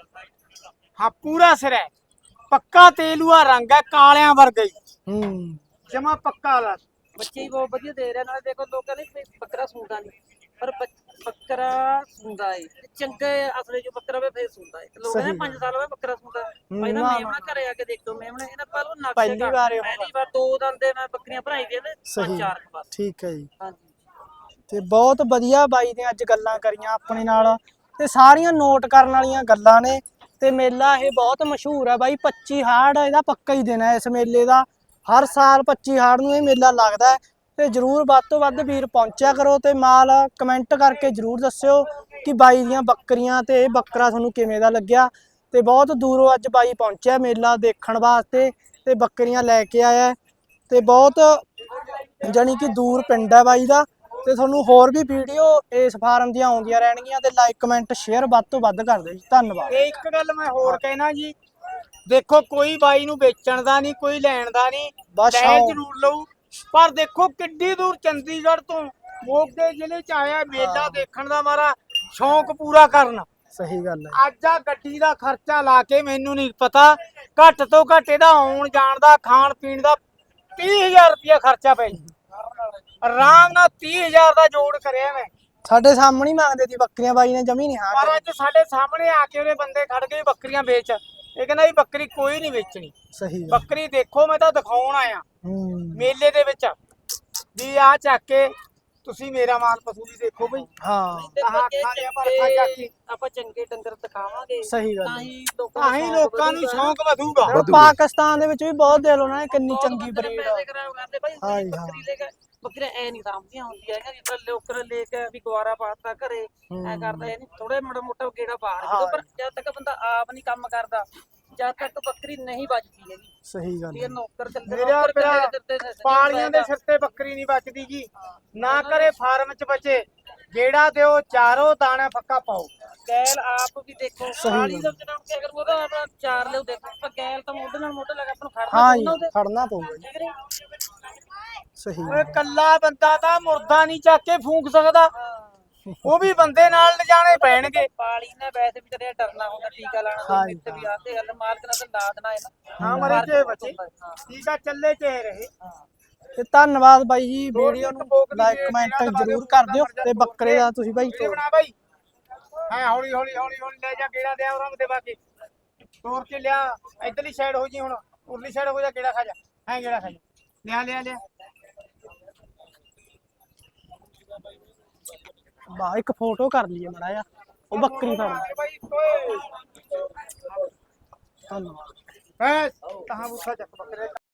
Speaker 4: ਹਾਂ ਪੂਰਾ ਸਿਰ ਹੈ, ਪੱਕਾ ਤੇਲੂਆ ਰੰਗ ਹੈ, ਕਾਲਿਆਂ ਵਰਗਾ ਹੀ
Speaker 1: ਹੂੰ।
Speaker 4: ਜਮਾ ਪੱਕਾ ਲਾ।
Speaker 3: ਬੱਚੇ ਹੀ ਬਹੁਤ ਵਧੀਆ ਦੇ ਰਹੇ, ਨਾਲੇ ਦੇਖੋ ਲੋਕ ਕਹਿੰਦੇ ਵੀ ਬੱਕਰਾ ਸੁਣਦਾ ਨਹੀਂ, ਪਰ ਬੱਕਰਾ ਸੁਣਦਾ ਏ ਚੰਗੇ ਅਸਲੇ ਜੋ ਬੱਕਰਾ ਵੇ ਫੇਰ ਸੁਣਦਾ ਏ। ਲੋਕ ਕਹਿੰਦੇ 5 ਸਾਲ ਹੋਏ ਬੱਕਰਾ ਸੁਣਦਾ, ਭਾਈ ਨਾ ਮੇਮਣਾ ਘਰੇ ਆ ਕੇ ਦੇਖੋ, ਮੇਮਣੇ ਇਹਨਾਂ ਪਰ ਉਹ ਨਕਸ਼ੇ
Speaker 1: ਪਹਿਲੀ ਵਾਰ ਇਹ
Speaker 3: ਪਹਿਲੀ ਵਾਰ 2 ਦੰਦੇ ਮੈਂ ਬੱਕਰੀਆਂ ਭਰਾਈ ਦੀਆਂ ਨੇ, 5-4 ਬਸ।
Speaker 1: ਠੀਕ ਹੈ ਜੀ।
Speaker 3: ਹਾਂਜੀ
Speaker 1: ਤੇ ਬਹੁਤ ਵਧੀਆ ਬਾਈ ਨੇ ਅੱਜ ਗੱਲਾਂ ਕਰੀਆਂ ਆਪਣੇ ਨਾਲ, ਤੇ ਸਾਰੀਆਂ ਨੋਟ ਕਰਨ ਵਾਲੀਆਂ ਗੱਲਾਂ ਨੇ। ਤੇ ਮੇਲਾ ਇਹ ਬਹੁਤ ਮਸ਼ਹੂਰ ਹੈ ਬਾਈ, 25 ਹਾੜ ਇਹਦਾ ਪੱਕਾ ਹੀ ਦਿਨ ਹੈ ਇਸ ਮੇਲੇ ਦਾ। ਹਰ ਸਾਲ 25 ਹਾੜ ਨੂੰ ਇਹ ਮੇਲਾ ਲੱਗਦਾ ਹੈ। ਤੇ ਜਰੂਰ ਵੱਧ ਤੋਂ ਵੱਧ ਵੀਰ ਪਹੁੰਚਿਆ ਕਰੋ, ਤੇ ਮਾਲ ਕਮੈਂਟ ਕਰਕੇ ਜਰੂਰ ਦੱਸਿਓ ਕਿ ਬਾਈ ਦੀਆਂ ਬੱਕਰੀਆਂ ਤੇ ਇਹ ਬੱਕਰਾ ਤੁਹਾਨੂੰ ਕਿਵੇਂ ਦਾ ਲੱਗਿਆ। ਤੇ ਬਹੁਤ ਦੂਰੋਂ ਅੱਜ ਬਾਈ ਪਹੁੰਚਿਆ ਮੇਲਾ ਦੇਖਣ ਵਾਸਤੇ, ਤੇ ਬੱਕਰੀਆਂ ਲੈ ਕੇ ਆਇਆ। ਤੇ ਬਹੁਤ ਜਾਣੀ ਕਿ ਦੂਰ ਪਿੰਡ ਹੈ ਬਾਈ ਦਾ। ਤੇ ਤੁਹਾਨੂੰ ਹੋਰ ਵੀ ਵੀਡੀਓ ਇਸ ਫਾਰਮ ਦੀਆਂ ਆਉਂਦੀਆਂ ਰਹਿਣਗੀਆਂ, ਤੇ ਲਾਈਕ ਕਮੈਂਟ ਸ਼ੇਅਰ ਵੱਧ ਤੋਂ ਵੱਧ ਕਰ ਦਿਓ ਜੀ। ਧੰਨਵਾਦ।
Speaker 4: ਤੇ ਇੱਕ ਗੱਲ ਮੈਂ ਹੋਰ ਕਹਿਣਾ ਜੀ, ਦੇਖੋ ਕੋਈ ਬਾਈ ਨੂੰ ਵੇਚਣ ਦਾ ਨਹੀਂ, ਕੋਈ ਲੈਣ ਦਾ ਨਹੀਂ,
Speaker 1: ਬਸ
Speaker 4: ਲੈ
Speaker 1: ਆਓ।
Speaker 4: ਜ਼ਰੂਰ ਲਊ, ਪਰ ਦੇਖੋ ਕਿੱਡੀ ਦੂਰ ਚੰਡੀਗੜ੍ਹ ਤੋਂ ਮੋਗੇ ਜ਼ਿਲ੍ਹੇ ਚ ਆਇਆ ਮੇਲਾ ਦੇਖਣ ਦਾ, ਮਾਰਾ ਸ਼ੌਂਕ ਪੂਰਾ ਕਰਨ।
Speaker 1: ਸਹੀ ਗੱਲ ਹੈ।
Speaker 4: ਅੱਜ ਆ ਗੱਡੀ ਦਾ ਖਰਚਾ ਲਾ ਕੇ ਮੈਨੂੰ ਨਹੀਂ ਪਤਾ, ਘੱਟ ਤੋਂ ਘੱਟ ਇਹਦਾ ਆਉਣ ਜਾਣ ਦਾ ਖਾਣ ਪੀਣ ਦਾ 30,000 ਰੁਪਇਆ ਖਰਚਾ ਪੈ ਜੀ, ਆਰਾਮ ਨਾਲ 30,000 ਦਾ ਜੋੜ ਕਰਿਆ ਮੈਂ।
Speaker 1: ਸਾਡੇ ਸਾਹਮਣੇ ਹੀ ਮੰਗਦੇ ਸੀ ਬੱਕਰੀਆਂ ਬਾਈ ਨੇ, ਜਮੀ ਨਹੀਂ ਹਾਂ
Speaker 4: ਪਰ ਅੱਜ ਸਾਡੇ ਸਾਹਮਣੇ ਆ ਕੇ ਉਹਦੇ ਬੰਦੇ ਖੜ ਗਏ ਬੱਕਰੀਆਂ ਵੇਚ, ਇਹ ਕਹਿੰਦਾ ਵੀ ਬੱਕਰੀ ਕੋਈ ਨਹੀਂ ਵੇਚਣੀ।
Speaker 1: ਸਹੀ ਗੱਲ।
Speaker 4: ਬੱਕਰੀ ਦੇਖੋ ਮੈਂ ਤਾਂ ਦਿਖਾਉਣ ਆਇਆ
Speaker 1: ਹੂੰ।
Speaker 4: ਮੇਲੇ ਦੇ ਵਿੱਚ, ਵੀ ਆ ਚੱਕ ਕੇ ਤੁਸੀਂ ਮੇਰਾ ਮਾਲ ਪਸ਼ੂ ਵੀ ਦੇਖੋ ਬਈ।
Speaker 1: ਹਾਂ
Speaker 3: ਦੇਖੋ
Speaker 4: ਆਹ
Speaker 3: ਜੇ
Speaker 4: ਅੱਖਾਂ ਦੀਆਂ ਪਰਖਾਂ ਚੱਕ ਕੇ
Speaker 3: ਆਪਾਂ ਚੰਗੇ ਡੰਗਰ ਦਿਖਾਵਾਂਗੇ
Speaker 1: ਸਹੀ ਗੱਲ
Speaker 3: ਤਾਂ
Speaker 1: ਹੈ।
Speaker 3: ਹੀ
Speaker 4: ਤਾਂ ਹੀ ਲੋਕਾਂ ਨੂੰ ਸ਼ੌਂਕ ਵਧੂਗਾ।
Speaker 1: ਪਾਕਿਸਤਾਨ ਦੇ ਵਿੱਚ ਵੀ ਬਹੁਤ ਦੇ ਲੋ ਨਾ ਕਿੰਨੀ ਚੰਗੀ ਬਰੀਡ ਆ।
Speaker 3: ਪੈਸੇ ਖਰਾਬ ਕਰਦੇ ਭਾਈ,
Speaker 1: ਹਾਂਜੀ,
Speaker 3: ਬੱਕਰੀ ਲੈ ਕੇ ਬੱਕਰੀਆਂ ਐ ਨਹੀਂ ਸਾਂਭਦੀਆਂ ਹੁੰਦੀਆਂ ਹੈਗੀਆਂ, ਜਿੱਦਾਂ ਲੋਕਰ ਲੈ ਕੇ ਵੀ ਗਵਾਰਾ ਪਾਤਾ ਘਰੇ ਐ ਕਰਦਾ, ਇਹ ਨਹੀਂ ਥੋੜੇ ਮੋਟਾ ਗੇੜਾ ਬਾਹਰ ਜਦੋਂ, ਪਰ ਜਦ ਤੱਕ ਬੰਦਾ ਆਪ ਨਹੀਂ ਕੰਮ ਕਰਦਾ ਜਦ ਤੱਕ ਬੱਕਰੀ ਨਹੀਂ ਵੱਜਦੀ ਹੈਗੀ।
Speaker 1: ਸਹੀ ਗੱਲ
Speaker 3: ਇਹ ਨੌਕਰ ਚੱਲਦੇ
Speaker 4: ਮੇਰਾ
Speaker 3: ਨੌਕਰ
Speaker 4: ਮੇਰਾ
Speaker 3: ਚੱਲਦੇ ਨੇ
Speaker 4: ਪਾਲੀਆਂ ਦੇ ਸਿਰ ਤੇ ਬੱਕਰੀ ਨਹੀਂ ਬਚਦੀ ਜੀ, ਨਾ ਕਰੇ ਫਾਰਮ ਚ ਬਚੇ, ਜਿਹੜਾ ਦਿਓ ਚਾਰੋ ਦਾਣਾ ਫੱਕਾ ਪਾਓ।
Speaker 3: ਗੈਲ ਆਪ ਵੀ ਦੇਖੋ,
Speaker 1: ਸਹੀ
Speaker 3: ਪਾਲੀ
Speaker 1: ਗੱਲ।
Speaker 3: ਦਾ ਜਿਹੜਾ ਕਿ ਅਗਰ ਉਹਦਾ ਆਪਣਾ ਚਾਰ ਲਿਓ ਦੇਖੋ, ਪਰ ਗੈਲ ਤਾਂ ਮੋਢੇ ਨਾਲ ਮੋਢੇ ਲਾ ਕੇ ਆਪਾਂ ਨੂੰ ਖੜਨਾ
Speaker 1: ਹਾਂ ਜੀ,
Speaker 3: ਪਊਗਾ ਉਹਦੇ,
Speaker 1: ਖੜਨਾ ਪਊਗਾ ਜੀ।
Speaker 3: ਠੀਕ ਨੀ?
Speaker 1: ਸਹੀ
Speaker 4: ਓਏ ਕੱਲਾ ਬੰਦਾ ਤਾਂ ਮੁਰਦਾ ਨਹੀਂ ਚੱਕ ਕੇ ਫੂਕ ਸਕਦਾ, ਉਹ ਵੀ ਬੰਦੇ ਨਾਲ ਲਿਜਾਣੇ ਪੈਣਗੇ।
Speaker 3: ਪਾਲੀ ਨੇ ਵੈਸੇ ਵੀ ਤੇਰੇ ਡਰਨਾ ਹੁੰਦਾ, ਟੀਕਾ ਲਾਣਾ
Speaker 1: ਹਾਂ
Speaker 3: ਤੇ ਵੀ ਆਤੇ ਗੱਲ ਮਾਲਕ ਨਾਲ ਤਾਂ ਲਾ ਦੇਣਾ ਹੈ ਨਾ।
Speaker 4: ਹਾਂ ਮਰੇ ਚ ਬਚੇ, ਠੀਕ ਆ ਚੱਲੇ ਚ ਰਹੇ।
Speaker 1: ਤੇ ਧੰਨਵਾਦ ਬਾਈ ਜੀ,
Speaker 4: ਹੋਰ
Speaker 1: ਵੀਡੀਓ
Speaker 4: ਇੱਕ
Speaker 1: ਨੂੰ
Speaker 4: ਬੋਕ ਦੀ
Speaker 1: ਲਾਈਕ
Speaker 4: ਜਿਹੜਾ
Speaker 1: ਕਮੈਂਟ
Speaker 4: ਦਬਾ
Speaker 1: ਜਰੂਰ
Speaker 4: ਦਿਓ,
Speaker 1: ਕਰ ਦਿਓ,
Speaker 4: ਮਰ ਜਾ
Speaker 1: ਤੇ ਬੱਕਰੇ ਦਾ ਤੁਸੀਂ ਬਾਈ
Speaker 4: ਵੀਡੀਓ ਬਣਾ ਬਾਈ। ਹਾਂ ਹੌਲੀ ਹੌਲੀ ਹੌਲੀ ਹੌਲੀ ਲੈ ਜਾ, ਗੇੜਾ ਦਿਆ ਉਹਨਾਂ ਦੇ ਬਾਕੀ ਤੋੜ ਕੇ ਲਿਆ। ਇਧਰਲੀ ਸਾਈਡ ਹੋ ਜੀ, ਹੁਣ ਉਰਲੀ ਸਾਈਡ ਹੋ ਜਾ, ਗੇੜਾ ਖਾ ਜਾ, ਹੈ ਗੇੜਾ ਖਾ ਜਾ, ਲਿਆ ਲਿਆ ਲਿਆ।
Speaker 1: ਵਾਹ ਇੱਕ ਫੋਟੋ ਕਰ ਲਈਏ ਮੜਾ ਜਾ, ਉਹ ਬੱਕਰੀ ਫੜ।
Speaker 4: ਬਾਈ ਓਏ
Speaker 1: ਧੰਨਵਾਦ।
Speaker 4: ਹੈ ਕਹਾਂ ਬੂਥਾ ਚੱਕ ਬੱਕਰੇ